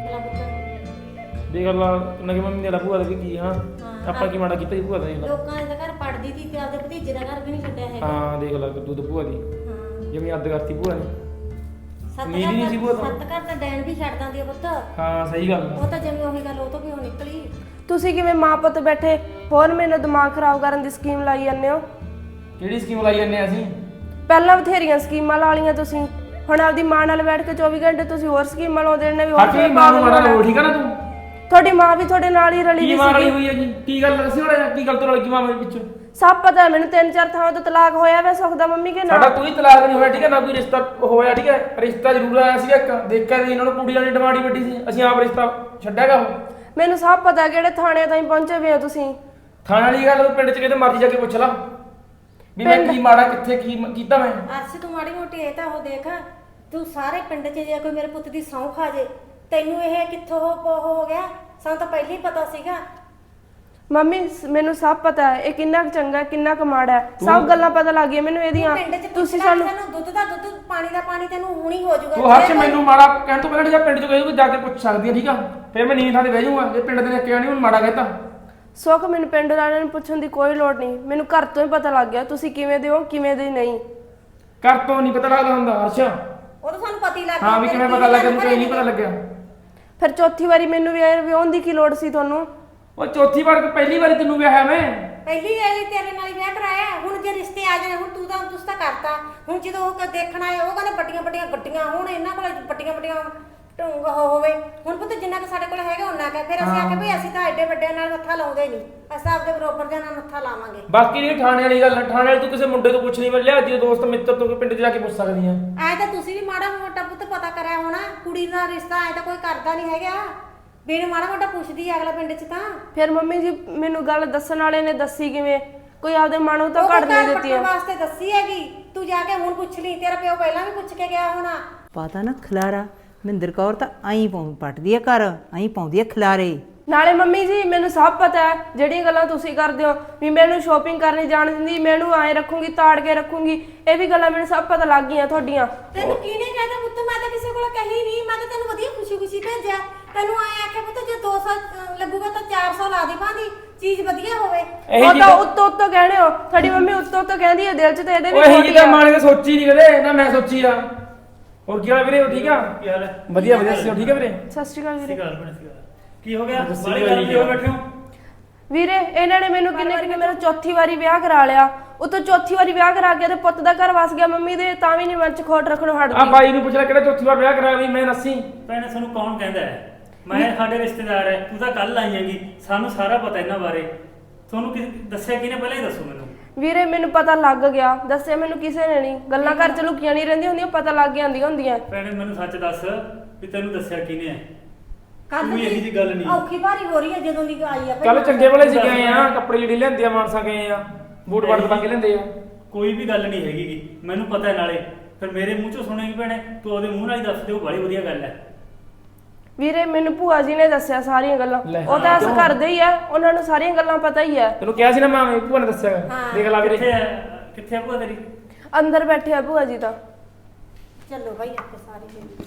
ਕੀ ਦੇਖ ਲਾ ਨਗੀ ਮੰਮੀ ਨੇ ਲਾ ਭੂਆ ਦਾ ਵੀ ਕੀ। ਹਾਂ ਆਪਾਂ ਕੀ ਮਾੜਾ ਕੀਤਾ ਜੀ ਭੂਆ ਦਾ? ਦੇਖ ਲਾ। ਲੋਕਾਂ ਦੇ ਘਰ ਪੜਦੀ ਤੀ ਤੇ ਆਪਦੇ ਭਤੀਜੇ ਦਾ ਘਰ ਵੀ ਨਹੀਂ ਛੱਡਿਆ ਹੈਗਾ। ਹਾਂ ਦੇਖ ਲਾ ਤੂੰ ਤਾਂ ਭੂਆ ਦੀ ਹਾਂ ਜਿਵੇਂ ਅੱਧ ਕਰਤੀ ਭੂਆ ਨੇ। ਸੱਤ ਉਮੀਦ ਹੀ ਨਹੀਂ ਸੀ ਭੂਆ ਤੋਂ। ਸੱਤ ਘਰ ਤਾਂ ਡੈਣ ਵੀ ਛੱਡ ਦਿੰਦੀ ਆ ਪੁੱਤ। ਹਾਂ ਸਹੀ ਗੱਲ ਉਹ ਤਾਂ ਜਿਵੇਂ ਉਹੀ ਗੱਲ ਉਹ ਤੋਂ ਵੀ ਉਹ ਨਿਕਲੀ। ਤੁਸੀਂ ਕਿਵੇਂ ਮਾਂ ਪੁੱਤ ਬੈਠੇ ਹੋਰ ਮੈਨੂੰ ਦਿਮਾਗ ਖਰਾਬ ਕਰਨ ਦੀ ਸਕੀਮ ਲਾਈ ਜਾਂਦੇ ਹੋ? ਕਿਹੜੀ ਸਕੀਮ ਲਾਈ ਜਾਂਦੇ ਆ ਅਸੀਂ? ਪਹਿਲਾਂ ਬਥੇਰੀਆਂ ਸਕੀਮਾਂ ਲਾ ਲਈਆਂ ਤੁਸੀਂ, ਹੁਣ ਆਪਦੀ ਮਾਂ ਨਾਲ ਬੈਠ ਕੇ 24 ਘੰਟੇ ਤੁਸੀਂ ਹੋਰ ਸਕੀਮਾਂ ਲਾਉਂਦੇ ਨੇ ਵੀ ਹੋਰ ਹਰਸ਼ ਮਾਂ ਨੂੰ ਮਾੜਾ ਲੋ, ਠੀਕ ਆ ਨਾ ਤੂੰ? ਤੁਹਾਡੀ ਮਾਂ ਵੀ ਤੁਹਾਡੇ ਨਾਲ ਹੀ ਰਲੀ ਕੀ ਵੀ ਮਾਂ ਰਲੀ ਸੀਗੀ। ਹੋਈ ਹੈ ਜੀ? ਕੀ ਗੱਲ ਦੱਸੀ ਹੋਣਾ, ਕੀ ਗੱਲ ਤੋਂ ਰਲ ਗਈ ਮਾਂ ਮੇਰੇ ਪਿੱਛੇ? ਸਭ ਪਤਾ ਹੈ ਮੈਨੂੰ, 3-4 ਥਾਵਾਂ ਤੋਂ ਤਲਾਕ ਹੋਇਆ ਵੇ ਸੁਖਦਾ ਮੰਮੀ ਕੇ ਸਾਡਾ ਨਾਲ। ਕੋਈ ਤਲਾਕ ਨਹੀਂ ਹੋਇਆ, ਠੀਕ ਹੈ ਨਾ ਕੋਈ ਰਿਸ਼ਤਾ ਹੋਇਆ, ਠੀਕ ਹੈ? ਰਿਸ਼ਤਾ ਜ਼ਰੂਰ ਆਇਆ ਸੀ ਇੱਕ, ਦੇਖਿਆ ਸੀ ਇਹਨਾਂ ਨੂੰ ਕੁੜੀ ਵਾਲੀ ਡਿਮਾਂਡ ਹੀ ਵੱਡੀ ਸੀ, ਅਸੀਂ ਆਪ ਰਿਸ਼ਤਾ ਛੱਡਿਆਗਾ। ਉਹ ਮੈਨੂੰ ਸਭ ਪਤਾ ਕਿਹੜੇ ਥਾਣੇ ਤਾਈਂ ਪਹੁੰਚੇ ਵੇ ਹੋ ਤੁਸੀਂ। ਥਾਣੇ ਵਾਲੀ ਗੱਲ ਤੂੰ ਪਿੰਡ 'ਚ ਕਿਤੇ ਮਰਜ਼ੀ ਜਾ ਕੇ ਪੁੱਛ ਲਾ ਵੀ ਮੈਂ ਕੀ ਮਾੜਾ ਕਿੱਥੇ ਕੀ ਕੀਤਾ ਮੈਂ। ਅਰਸ਼ ਤੂੰ ਮਾੜੀ ਮੋਟੀ ਇਹ ਤਾਂ ਉਹ ਦੇਖ, ਤੂੰ ਸਾਰੇ ਪਿੰਡ 'ਚ ਜੇ ਕੋਈ ਮੇਰੇ ਪੁੱਤ ਦੀ ਸਹੁੰ ਖਾ ਜੇ, ਤੈਨੂੰ ਇਹ ਕਿੱਥੋਂ ਹੋ ਗਿਆ? ਸਾਨੂੰ ਤਾਂ ਪਹਿਲਾਂ ਹੀ ਪਤਾ ਸੀਗਾ। ਮੰਮੀ ਮੈਨੂੰ ਸਭ ਪਤਾ ਹੈ ਇਹ ਕਿੰਨਾ ਕੁ ਚੰਗਾ ਕਿੰਨਾ ਕੁ ਮਾੜਾ ਹੈ, ਸਭ ਗੱਲਾਂ ਪਤਾ ਲੱਗ ਗਈਆਂ ਮੈਨੂੰ ਇਹਦੀਆਂ। ਪਿੰਡ 'ਚ ਤੁਸੀਂ ਸਾਨੂੰ ਦੁੱਧ ਦਾ ਦੁੱਧ, ਪਾਣੀ ਦਾ ਪਾਣੀ ਤੈਨੂੰ ਹੁਣੀ ਹੋ ਜਾਊਗਾ। ਤੂੰ ਹਰਸ਼ ਮੈਨੂੰ ਮਾੜਾ ਕਹਿਣ ਤੋਂ ਪਹਿਲਾਂ ਜਾਂ ਪਿੰਡ 'ਚ ਕੋਈ ਜਾ ਕੇ ਪੁੱਛ ਸਕਦੀ ਹੈ, ਠੀਕ ਆ? ਫਿਰ ਮੈਂ ਨੀਂਦ ਥਾਂ ਤੇ ਬਹਿ ਜਾਊਂਗਾ ਜੇ ਪਿੰਡ ਦੇ ਨੇ ਕਿਹਾ ਨਹੀਂ ਮੈਨੂੰ ਮਾੜਾ ਕਹਿਤਾ। ਸੁੱਖ ਮੈਨੂੰ ਪਿੰਡ ਵਾਲਿਆਂ ਨੂੰ ਪੁੱਛਣ ਦੀ ਕੋਈ ਲੋੜ ਨਹੀਂ, ਮੈਨੂੰ ਘਰ ਤੋਂ ਹੀ ਪਤਾ ਲੱਗ ਗਿਆ ਤੁਸੀਂ ਕਿਵੇਂ ਦੇ ਹੋ ਕਿਵੇਂ ਦੇ ਨਹੀਂ। ਘਰ ਤੋਂ ਨਹੀਂ ਪਤਾ ਲੱਗਦਾ ਹੁੰਦਾ ਹਰਸ਼। ਉਹ ਤਾਂ ਸਾਨੂੰ ਪਤਾ ਹੀ ਲੱਗ ਗਿਆ। ਹਾਂ ਵੀ ਕਿਵੇਂ ਪਤਾ ਲੱਗਿਆ, ਮੈਨੂੰ ਕੋਈ ਨਹੀਂ ਪਤਾ ਲੱਗਿਆ। ਫਿਰ ਚੌਥੀ ਵਾਰੀ ਮੈਨੂੰ ਵਿਆਹਣ ਦੀ ਕੀ ਲੋੜ ਸੀ ਤੁਹਾਨੂੰ? ਉਹ ਚੌਥੀ ਵਾਰ ਕਿ ਪਹਿਲੀ ਵਾਰੀ ਤੈਨੂੰ ਵਿਆਹਿਆ ਮੈਂ? ਪਹਿਲੀ ਵਾਰੀ ਤੇਰੇ ਨਾਲ ਹੀ ਵਿਆਹ ਕਰਾਇਆ, ਹੁਣ ਜੇ ਰਿਸ਼ਤੇ ਆ ਜਾਣੇ, ਹੁਣ ਤੂੰ ਤਾਂ ਕਰਤਾ। ਹੁਣ ਜਦੋਂ ਉਹ ਦੇਖਣ ਆਏ ਉਹ ਕਹਿੰਦੇ ਵੱਡੀਆਂ ਵੱਡੀਆਂ ਗੱਡੀਆਂ ਹੋਣ, ਇਹਨਾਂ ਕੋਲ ਵੱਡੀਆਂ ਵੱਡੀਆਂ ਢੰਗ ਹੋਵੇ। ਹੁਣ ਪੁੱਤ ਜਿੰਨਾ ਕਿ ਸਾਡੇ ਕੋਲ ਹੈਗਾ ਉਹਨਾਂ ਕਹੇ, ਫਿਰ ਅਸੀਂ ਆਖੇ ਭਈ ਅਸੀਂ ਤਾਂ ਐਡੇ ਵੱਡਿਆਂ ਨਾਲ ਮੱਥਾ ਲਾਉਂਦੇ ਨਹੀਂ, ਅਸੀਂ ਆਪਦੇ ਬਰੋਬਰ ਦੇ ਨਾਲ ਮੱਥਾ ਲਾਵਾਂਗੇ। ਬਾਕੀ ਜਿਹੜੀ ਥਾਣੇ ਵਾਲੀ ਗੱਲ, ਥਾਣੇ ਵਾਲੀ ਤੂੰ ਕਿਸੇ ਮੁੰਡੇ ਤੋਂ ਪੁੱਛ ਨਹੀਂ ਮਿਲਿਆ, ਜੇ ਦੋਸਤ ਮਿੱਤਰ ਤੋਂ ਪਿੰਡ 'ਚ ਜਾ ਕੇ ਪੁੱਛ ਸਕਦੀ ਆ। ਐ ਤਾਂ ਤੁਸੀਂ ਵੀ ਮਾੜਾ ਮੋਟਾ ਪੁੱਤ ਪਤਾ ਕਰਿਆ ਹੋਣਾ, ਕੁੜੀ ਦਾ ਰਿਸ਼ਤਾ ਐ ਤਾਂ ਕੋਈ ਕਰਦਾ ਨਹੀਂ ਹੈਗਾ, ਬਿਨ ਮਾੜਾ ਮੋਟਾ ਪੁੱਛਦੀ ਆ ਅਗਲਾ ਪਿੰਡ 'ਚ ਤਾਂ। ਫਿਰ ਮੰਮੀ ਜੀ ਮੈਨੂੰ ਗੱਲ ਦੱਸਣ ਵਾਲੇ ਨੇ ਦੱਸੀ ਕਿਵੇਂ? ਕੋਈ ਆਪਦੇ ਮਨੋਂ ਤਾਂ ਘੜ ਨਹੀਂ ਦਿੱਤੀ ਆ। ਵਾਸਤੇ ਦੱਸੀ ਹੈਗੀ, ਤੂੰ ਜਾ ਕੇ ਹੁਣ ਪੁੱਛ ਲਈ, ਤੇਰਾ ਪਿਓ ਪਹਿਲਾਂ ਵੀ ਪੁੱਛ ਕੇ ਗਿਆ ਹੋਣਾ। ਪਤਾ ਨਾ ਖਲਾਰਾ, ਮਹਿੰਦਰ ਕੌਰ ਤਾਂ ਆਈ ਪੱਟਦੀ ਆ ਘਰ, ਆਈ ਪਾਉਂਦੀ ਆ ਖਲਾਰੇ। ਨਾਲੇ ਮੰਮੀ ਜੀ ਮੈਨੂੰ ਸਭ ਪਤਾ ਹੈ ਜਿਹੜੀਆਂ ਗੱਲਾਂ ਤੁਸੀਂ ਕਰਦੇ ਹੋ ਵੀ ਮੈਨੂੰ ਸ਼ੋਪਿੰਗ ਕਰਨੀ ਜਾਣ ਦਿੰਦੀ, ਮੈਨੂੰ ਐ ਰੱਖੂੰਗੀ ਤਾੜ ਕੇ ਰੱਖੂੰਗੀ, ਇਹ ਵੀ ਗੱਲਾਂ ਮੈਨੂੰ ਸਭ ਪਤਾ ਲੱਗ ਗਈਆਂ ਤੁਹਾਡੀਆਂ। ਤੈਨੂੰ ਕਿਹਨੇ ਕਹਿਤਾ ਪੁੱਤ? ਮੈਂ ਤਾਂ ਕਿਸੇ ਕੋਲ ਕਹੀ ਨਹੀਂ, ਮੈਂ ਤਾਂ ਤੈਨੂੰ ਵਧੀਆ ਖੁਸ਼ੀ ਭੇਜਿਆ। ਤੈਨੂੰ ਐ ਆਖਿਆ ਪੁੱਤ ਜੇ 200 ਲੱਗੂਗਾ ਤਾਂ 400 ਲਾ ਦੇ, ਭਾਂਦੀ ਚੀਜ਼ ਵਧੀਆ ਹੋਵੇ। ਉਹ ਤਾਂ ਉੱਤੋਂ ਕਹਿਣੇ ਹੋ, ਤੁਹਾਡੀ ਮੰਮੀ ਉੱਤੋਂ ਕਹਿੰਦੀ ਹੈ, ਦਿਲ 'ਚ ਤਾਂ ਇਹਦੇ ਵੀ ਉਹ ਇਹੀ ਤਾਂ ਮਾਂ ਨੇ ਸੋਚੀ ਨਹੀਂ ਕਦੇ ਨਾ, ਮੈਂ ਸੋਚੀ ਆ। ਹੋਰ ਕੀ ਹਾਲ ਵੀਰੇ? ਠੀਕ ਆ? ਕੀ ਹਾਲ ਹੈ? ਵਧੀਆ ਵਧੀਆ, ਠੀਕ ਆ ਵੀਰੇ? ਸਤਿ ਸ਼੍ਰੀ ਅਕਾਲ ਵੀਰੇ। ਕੀ ਹੋ ਗਿਆ? ਬਾਲੀ ਗੱਲ ਕਿਉਂ ਬੈਠੇ ਹੋ? ਵੀਰੇ ਇਹਨਾਂ ਨੇ ਮੈਨੂੰ ਕਿੰਨੇ ਮੇਰਾ ਚੌਥੀ ਵਾਰੀ ਵਿਆਹ ਕਰਾ ਲਿਆ, ਉਤੋਂ ਚੌਥੀ ਵਾਰੀ ਵਿਆਹ ਕਰਾ ਕੇ ਤੇ ਪੁੱਤ ਦਾ ਘਰ ਵਸ ਗਿਆ ਮੰਮੀ ਦੇ, ਤਾਂ ਵੀ ਨਹੀਂ ਮਨ 'ਚ ਖੋਟ ਰੱਖਣੋਂ ਹਟਦੀ। ਆ ਬਾਈ ਨੂੰ ਪੁੱਛ ਲੈ ਕਿਹੜਾ ਚੌਥੀ ਵਾਰ ਵਿਆਹ ਕਰਾਇਆ ਵੀ ਮੈਂ ਦੱਸੀ। ਭੈਣੇ ਤੁਹਾਨੂੰ ਕੌਣ ਕਹਿੰਦਾ ਹੈ? ਮੈਂ ਸਾਡੇ ਰਿਸ਼ਤੇਦਾਰ ਹੈ, ਤੂੰ ਤਾਂ ਕੱਲ ਆਈ ਹੈਗੀ, ਸਾਨੂੰ ਸਾਰਾ ਪਤਾ ਇਹਨਾਂ ਬਾਰੇ। ਤੁਹਾਨੂੰ ਦੱਸਿਆ ਕਿਹਨੇ? ਪਹਿਲਾਂ ਹੀ ਦੱਸੋ ਮੈਨੂੰ। ਵੀਰੇ ਮੈਨੂੰ ਪਤਾ ਲੱਗ ਗਿਆ, ਦੱਸਿਆ ਮੈਨੂੰ ਕਿਸੇ ਨੇ ਨਹੀਂ। ਗੱਲਾਂ ਘਰ ਚ ਲੁਕੀਆਂ ਨਹੀਂ ਰਹਿੰਦੀਆਂ ਹੁੰਦੀਆਂ, ਪਤਾ ਲੱਗ ਜਾਂਦੀਆਂ ਹੁੰਦੀਆਂ। ਭੈਣੇ ਮੈਨੂੰ ਸੱਚ ਦੱਸ ਵੀ ਤੈਨੂੰ ਦੱਸਿਆ ਕਿਹਨੇ ਹੈ? ਕੱਲ ਕੋਈ ਇਹੀ ਜਿਹੀ ਗੱਲ ਨਹੀਂ। ਔਖੀ ਭਾਰੀ ਹੋ ਰਹੀ ਹੈ ਜਦੋਂ ਦੀ ਆਈ ਆ ਕੱਲ ਚੰਗੇ ਵਾਲੇ ਸੀ ਗਏ ਆ, ਕੱਪੜੇ ਜਿਹੜੀ ਲਿਆਂਦੀ ਆ ਮਾਨਸਾ ਗਏ ਆ, ਬੂਟ ਬਾਟ ਪਾ ਕੇ ਲਿਆਂਦੇ ਆ। ਕੋਈ ਵੀ ਗੱਲ ਨਹੀਂ ਹੈਗੀ ਗੀ, ਮੈਨੂੰ ਪਤਾ ਹੈ। ਨਾਲੇ ਫਿਰ ਮੇਰੇ ਮੂੰਹ ਚੋਂ ਸੁਣੇਗੀ ਭੈਣੇ, ਤੂੰ ਉਹਦੇ ਮੂੰਹ ਨਾਲ ਹੀ ਦੱਸ ਦੇ, ਉਹ ਬੜੀ ਵਧੀਆ ਗੱਲ ਹੈ। ਵੀਰੇ ਮੈਨੂੰ ਭੂਆ ਜੀ ਨੇ ਦੱਸਿਆ ਸਾਰੀਆਂ ਗੱਲਾਂ, ਉਹ ਤਾਂ ਐਸ ਕਰਦੇ ਹੀ ਆ, ਉਹਨਾਂ ਨੂੰ ਸਾਰੀਆਂ ਗੱਲਾਂ ਪਤਾ ਹੀ ਆ। ਤੈਨੂੰ ਕਿਹਾ ਸੀ ਨਾ ਮਾਂ ਭੂਆ ਨੇ ਦੱਸਿਆ, ਦੇਖ ਲਾ ਵੀਰੇ। ਕਿੱਥੇ ਆ ਭੂਆ ਤੇਰੀ? ਅੰਦਰ ਬੈਠੇ ਆ ਭੂਆ ਜੀ ਤਾਂ। ਚਲੋ ਭਾਈ ਆਪਾਂ ਸਾਰੇ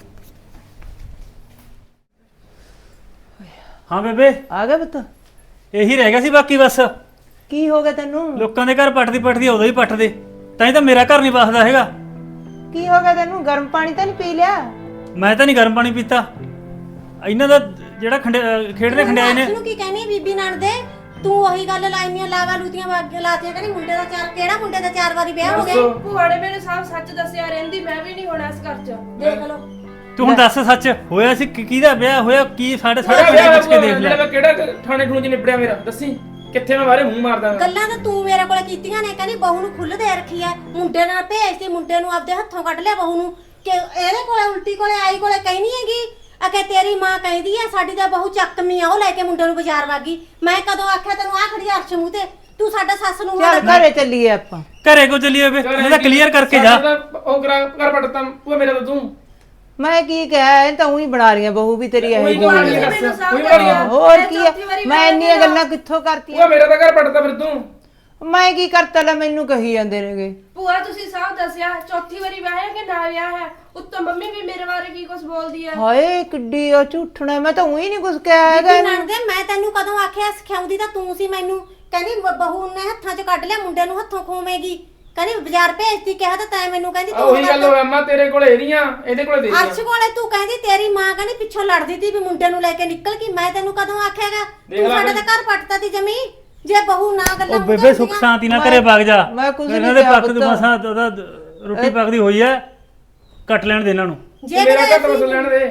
ਹਾਂ ਬੇਬੇ, ਆ ਗਿਆ ਪੁੱਤ? ਇਹੀ ਰਹਿ ਗਿਆ ਸੀ ਬਾਕੀ ਬਸ। ਕੀ ਹੋ ਗਿਆ ਤੈਨੂੰ? ਲੋਕਾਂ ਦੇ ਘਰ ਪੱਟਦੀ ਉਦੋਂ ਹੀ ਪੱਟਦੇ, ਤਾਂ ਹੀ ਤਾਂ ਮੇਰਾ ਘਰ ਨਹੀਂ ਵਸਦਾ ਹੈਗਾ। ਕੀ ਹੋ ਗਿਆ ਤੈਨੂੰ? ਗਰਮ ਪਾਣੀ ਤਾਂ ਨਹੀਂ ਪੀ ਲਿਆ? ਮੈਂ ਤਾਂ ਨਹੀਂ ਗਰਮ ਪਾਣੀ ਪੀਤਾ। ਇਹਨਾਂ ਦਾ ਜਿਹੜਾ ਖੇਡਦੇ ਖੰਡਿਆਏ ਨੇ। ਤੈਨੂੰ ਕੀ ਕਹਿਣੀ ਬੀਬੀ ਨਾਲ ਦੇ? ਤੂੰ ਉਹੀ ਗੱਲ ਲਾਈਆਂ ਲਾਵਾ ਲੂਤੀਆਂ ਲਾਤੀਆਂ, ਕਹਿੰਦੀ ਮੁੰਡੇ ਦਾ ਕਿਹੜਾ ਮੁੰਡੇ ਦਾ 4 ਵਾਰੀ ਵਿਆਹ ਹੋ ਗਿਆ। ਭੂਆ ਨੇ ਮੈਨੂੰ ਸਭ ਸੱਚ ਦੱਸਿਆ, ਰਹਿੰਦੀ ਮੈਂ ਵੀ ਨਹੀਂ ਹੋਣਾ ਇਸ ਘਰ 'ਚ। ਦੇਖ ਲਓ ਤੂੰ ਹੁਣ ਦੱਸ ਸੱਚ ਹੋਇਆ ਸੀ ਕਿਹਦਾ ਵਿਆਹ ਹੋਇਆ? ਕੀ ਸਾਡੇ ਪਿੰਡ ਪੁੱਛ ਕੇ ਦੇਖ ਲਿਆ। ਕਿਹੜਾ ਥਾਣੇ ਠੂਣੇ ਚ ਨਿਬੜਿਆ ਮੇਰਾ? ਦੱਸੀ ਕਿੱਥੇ ਮੈਂ ਬਾਰੇ ਮੂੰਹ ਮਾਰਦਾ। ਗੱਲਾਂ ਤਾਂ ਤੂੰ ਮੇਰੇ ਕੋਲੇ ਕੀਤੀਆਂ ਨੇ, ਕਹਿੰਦੀ ਬਹੂ ਨੂੰ ਖੁੱਲ੍ਹ ਦੇ ਰੱਖੀ ਐ, ਮੁੰਡੇ ਨਾਲ ਭੇਜਦੀ, ਮੁੰਡੇ ਨੂੰ ਆਪਦੇ ਹੱਥੋਂ ਕੱਢ ਲਿਆ ਬਹੂ ਨੂੰ। ਕਿ ਇਹਦੇ ਕੋਲੇ ਉਲਟੀ ਕੋਲੇ ਆਈ ਕੋਲੇ ਕਹਿਨੀ ਹੈਗੀ ਅਕੇ ਤੇਰੀ ਮਾਂ ਕਹਿੰਦੀ ਐ ਸਾਡੀ ਤਾਂ ਬਹੂ ਚੱਕਮੀ ਆ, ਉਹ ਲੈ ਕੇ ਮੁੰਡੇ ਨੂੰ ਬਾਜ਼ਾਰ ਵਾਗੀ। ਮੈਂ ਕਦੋਂ ਆਖਿਆ ਤੈਨੂੰ ਆ ਖੜੀ ਅਰਸ਼ ਮੂੰਹ ਤੇ? ਤੂੰ ਸਾਡਾ ਸੱਸ ਨੂੰ ਚੱਲ ਘਰੇ ਚੱਲੀਏ ਆਪਾਂ। ਘਰੇ ਕੋ ਚੱਲੀਏ ਵੇ? ਇਹਦਾ ਕਲੀਅਰ ਕਰਕੇ ਜਾ। ਉਹ ਘਰ ਪੜਤਾ ਭੂਆ ਮੇਰਾ ਤਾਂ ਤੂੰ। ਮੈਂ ਕੀ ਕਹਿਆ, ਇਹ ਤਾਂ ਉਹੀ ਬਣਾ ਰਹੀਆਂ ਬਹੂ ਵੀ ਤੇਰੀ ਇਹ ਜੀ। ਹੋਰ ਕੀ ਹੈ, ਮੈਂ ਇੰਨੀਆਂ ਗੱਲਾਂ ਕਿੱਥੋਂ ਕਰਤੀਆਂ? ਭੂਆ ਮੇਰਾ ਤਾਂ ਘਰ ਪੜਤਾ ਫਿਰ ਤੂੰ। ਮੈਂ ਕੀ ਕਰਤਾ? ਲੈ ਮੈਨੂੰ ਕਹੀ ਜਾਂਦੇ ਨੇਗੇ। ਭੂਆ ਤੁਸੀਂ ਸਭ ਦੱਸਿਆ, ਚੌਥੀ ਵਾਰੀ ਵਿਆਹ ਹੈ ਕਿ ਨਾ ਵਿਆਹ ਹੈ? ਉੱਤੋਂ ਮੰਮੀ ਵੀ ਮੇਰੇ ਬਾਰੇ ਕੀ ਕੁਝ ਬੋਲਦੀ ਹੈ। ਹਾਏ ਕਿੱਡੀ ਉਹ ਝੂਠਣਾ, ਮੈਂ ਤਾਂ ਉਹੀ ਨਹੀਂ ਕੁਝ ਕਿਹਾ ਹੈਗਾ ਇਹਨੂੰ। ਨਣਦੇ ਮੈਂ ਤੈਨੂੰ ਕਦੋਂ ਆਖਿਆ? ਸਿਖਾਉਂਦੀ ਤਾਂ ਤੂੰ ਸੀ ਮੈਨੂੰ। ਕਹਿੰਦੀ ਬਹੂ ਨੇ ਹੱਥਾਂ 'ਚ ਕੱਢ ਲਿਆ, ਮੁੰਡੇ ਨੂੰ ਹੱਥੋਂ ਖੋਵੇਗੀ। ਕਹਿੰਦੀ ਬਾਜ਼ਾਰ ਭੇਜਦੀ, ਕਿਹਾ ਤਾਂ ਤੈਂ ਮੈਨੂੰ। ਕਹਿੰਦੀ ਤੂੰ ਉਹੀ ਗੱਲ ਹੋਇਆ ਮਾਂ, ਤੇਰੇ ਕੋਲ ਇਹਦੀਆਂ ਇਹਦੇ ਕੋਲ ਤੇਰੀਆਂ। ਅਰਸ਼ ਕੋਲੇ ਤੂੰ ਕਹਿੰਦੀ ਤੇਰੀ ਮਾਂ ਕਹਿੰਦੀ ਪਿੱਛੋਂ ਲੜਦੀ ਤੀ ਵੀ ਮੁੰਡੇ ਨੂੰ ਲੈ ਕੇ ਨਿਕਲ ਗਈ। ਮੈਂ ਤੈਨੂੰ ਕਦੋਂ ਆਖਿਆਗਾ? ਤੂੰ ਸਾਡੇ ਤਾਂ ਘਰ ਪੱਟਦਾ ਤੀ ਜਮੀ। ਜੇ ਬਹੂ ਨਾ ਗੱਲਾਂ ਉਹ ਬੇਬੇ ਸੁੱਖ ਸ਼ਾਂਤੀ ਨਾਲ ਘਰੇ ਵਗ ਜਾ। ਮੈਂ ਕੁਝ ਇਹਨਾਂ ਦੇ ਪੱਕ ਤੋਂ ਮਸਾਂ ਉਹਦਾ ਰੋਟੀ ਪੱਕਦੀ ਹੋਈ ਐ, ਕੱਟ ਲੈਣ ਦੇ ਇਹਨਾਂ ਨੂੰ। ਜੇ ਮੇਰਾ ਘਰ ਤੋਂ ਲੈਣ ਦੇ।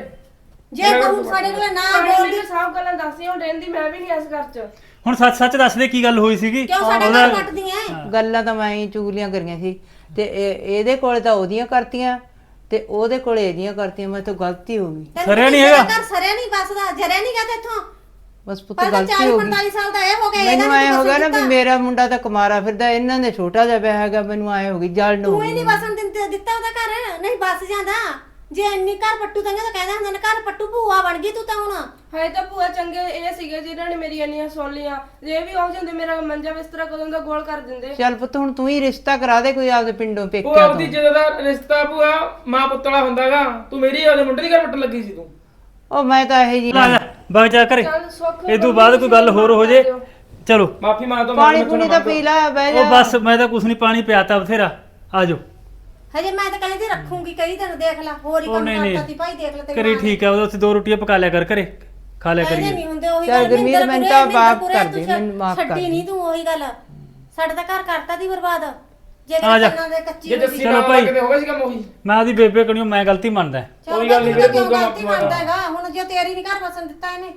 ਜੇ ਬਹੂ ਸਾਡੇ ਕੋਲੇ ਨਾ ਬੋਲਦੀ ਬੋਲਦੀ, ਸਭ ਗੱਲਾਂ ਦੱਸੀਆਂ, ਹੁਣ ਰਹਿੰਦੀ ਮੈਂ ਵੀ ਨਹੀਂ ਇਸ ਘਰ 'ਚ। ਹੁਣ ਸੱਚ ਸੱਚ ਦੱਸ ਦੇ ਕੀ ਗੱਲ ਹੋਈ ਸੀਗੀ? ਕਿਉਂ ਸਾਡੇ ਘਰ ਪੱਟਦੀ ਐ? ਗੱਲਾਂ ਤਾਂ ਮੈਂ ਹੀ ਚੁਗਲੀਆਂ ਕਰੀਆਂ ਸੀ ਤੇ ਇਹਦੇ ਕੋਲੇ ਤਾਂ ਉਹਦੀਆਂ ਕਰਤੀਆਂ ਤੇ ਉਹਦੇ ਕੋਲੇ ਇਹਦੀਆਂ ਕਰਤੀਆਂ। ਮੈਂ ਤਾਂ ਗਲਤੀ ਹੋ ਗਈ। ਸਰਿਆ ਨਹੀਂ ਹੈਗਾ ਘਰ ਸਰਿਆ ਨਹੀਂ ਬਸਦਾ, ਜਰਿਆ ਨਹੀਂ ਗਾ ਤੇਥੋਂ। ਬਸ ਪੁੱਤ ਪਰ ਗਲਤੀ 40 ਹੋ ਗਈ। 45 ਸਾਲ ਦਾ ਇਹ ਹੋ ਗਿਆ। ਮੈਨੂੰ ਐ ਹੋ ਗਿਆ ਨਾ ਵੀ ਮੇਰਾ ਮੁੰਡਾ ਤਾਂ ਕੁਮਾਰਾ ਫਿਰਦਾ, ਇਹਨਾਂ ਨੇ ਛੋਟਾ ਜਿਹਾ ਵਿਆਹ ਹੈਗਾ। ਮੈਨੂੰ ਐ ਹੋ ਗਈ ਜਲ ਨੂੰ। ਤੂੰ ਹੀ ਨਹੀਂ ਬਸਣ ਦਿੱਤਾ ਉਹਦਾ ਘਰ, ਨਹੀਂ ਬਸ ਜਾਂਦਾ। ਜੇ ਇੰਨੀ ਘਰ ਪੱਟੂ ਤਾਂ ਕਹਿੰਦੇ ਹੁੰਦੇ ਨੇ ਘਰ ਪੱਟੂ, ਭੂਆ ਬਣ ਗਈ ਤੂੰ ਤਾਂ ਹੁਣ। ਹਾਏ ਤਾਂ ਭੂਆ ਚੰਗੇ ਇਹ ਸੀਗੇ ਜਿਨ੍ਹਾਂ ਨੇ ਮੇਰੀ ਇੰਨੀਆਂ ਸੁਣ ਲੀਆਂ। ਜੇ ਵੀ ਹੋ ਜਾਂਦੇ ਮੇਰਾ ਮੰਜਾ ਬਿਸਤਰਾ ਕਦੋਂ ਦਾ ਗੋਲ ਕਰ ਦਿੰਦੇ। ਚੱਲ ਪੁੱਤ ਹੁਣ ਤੂੰ ਹੀ ਰਿਸ਼ਤਾ ਕਰਾ ਦੇ ਕੋਈ ਆਪਦੇ ਪਿੰਡੋਂ ਭੂਆ ਪੇਕਿਆਂ ਆਪਦੀ ਤੋਂ। ਜਦੋਂ ਦਾ ਰਿਸ਼ਤਾ ਭੂਆ ਮਾਂ ਪੁੱਤਲਾ ਹੁੰਦਾਗਾ, ਤੂੰ ਮੇਰੀ ਉਹਦੇ ਮੁੰਡੇ ਦੀ ਘਰ ਪੱਟਣ ਲੱਗੀ ਸੀ ਤੂੰ। ਉਹ ਮੈਂ ਤਾਂ ਇਹ ਜੀ ਆ ਜਾ ਵਗ ਜਾ ਘਰੇ। ਚੱਲ ਸੁੱਖ ਇਹ ਤੋਂ ਬਾਅਦ ਕੋਈ ਗੱਲ ਹੋਰ ਹੋ ਜੇ ਚਲੋ। ਮਾਫੀ ਮੰਗ ਤੋਂ ਪਾਣੀ ਪੂਣੀ ਤਾਂ ਪੀ ਲੈ, ਬਹਿ ਉਹ ਜਾ। ਬਸ ਮੈਂ ਤਾਂ ਕੁਛ ਨਹੀਂ, ਪਾਣੀ ਪਿਆਤਾ ਬਥੇਰਾ। ਆ ਜਾਓ। ਹਜੇ ਮੈਂ ਤਾਂ ਕਹਿੰਦੀ ਰੱਖੂੰਗੀ ਕਈ ਦਿਨ, ਦੇਖ ਲੈ ਹੋਰ ਹੀ ਉਹ ਕੰਮ ਨਹੀਂ ਕਰਤਾ ਨਹੀਂ ਤੀ ਭਾਈ, ਦੇਖ ਲੈ ਤੇਰੀ ਕਰੀ ਠੀਕ ਹੈ। ਉਹਦੇ ਉੱਥੇ 2 ਰੋਟੀਆਂ ਪਕਾ ਲਿਆ ਕਰ ਘਰੇ, ਖਾ ਲਿਆ ਇਹਦੇ ਕਰੀਏ। ਨਹੀਂ ਹੁੰਦੇ ਉਹੀ ਚੱਲ ਗੱਲ। ਗੁਰਮੀਤ, ਮੈਨੂੰ ਤਾਂ ਮਾਫ਼ ਕਰ ਦੇ, ਮੈਨੂੰ ਮਾਫ਼ ਕਰ ਛੱਡੀ ਦੇ। ਨਹੀਂ ਤੂੰ ਉਹੀ ਗੱਲ। ਸਾਡਾ ਤਾਂ ਘਰ ਕਰਤਾ ਦੀ ਬਰਬਾਦ। ਜੇ ਆ ਜਾ। ਕੰਨਾਂ ਦੇ ਕੱਚੀ ਜੇ ਹੋਈ। ਜੱਸੀ ਚਲੋ ਨਾਲ ਭਾਈ। ਕਿਤੇ ਹੋਵੇ ਸੀ ਕੰਮ ਉਹੀ। ਮੈਂ ਉਹਦੀ ਬੇਬੇ ਕਣੀਓ ਮੈਂ ਗਲਤੀ ਮੰਨਦਾ। ਚੱਲ ਕੋਈ ਗੱਲ ਨੀ, ਤੂੰ ਤਾਂ ਤੂੰ ਕਿਉਂ ਤਾਂ ਗਲਤੀ ਮੰਨਦਾ ਹੈਗਾ? ਹੁਣ ਜੇ ਤੇਰੀ ਨਹੀਂ ਘਰ ਵਸਣ ਦਿੱਤਾ ਇਹਨੇ।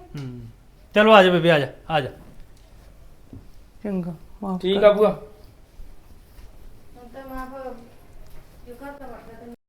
ਚਲੋ ਆ ਜਾ ਬੇਬੇ, ਆ ਜਾ ਆ ਜਾ। ਚੰਗਾ ਮਾਫ਼ ਠੀਕ ਆ ਭੂਆ। ਹੁਣ ਤਾਂ ਮਾਫ ਜੋ ਘਰ ਤਾਂ ਵੜਦਾ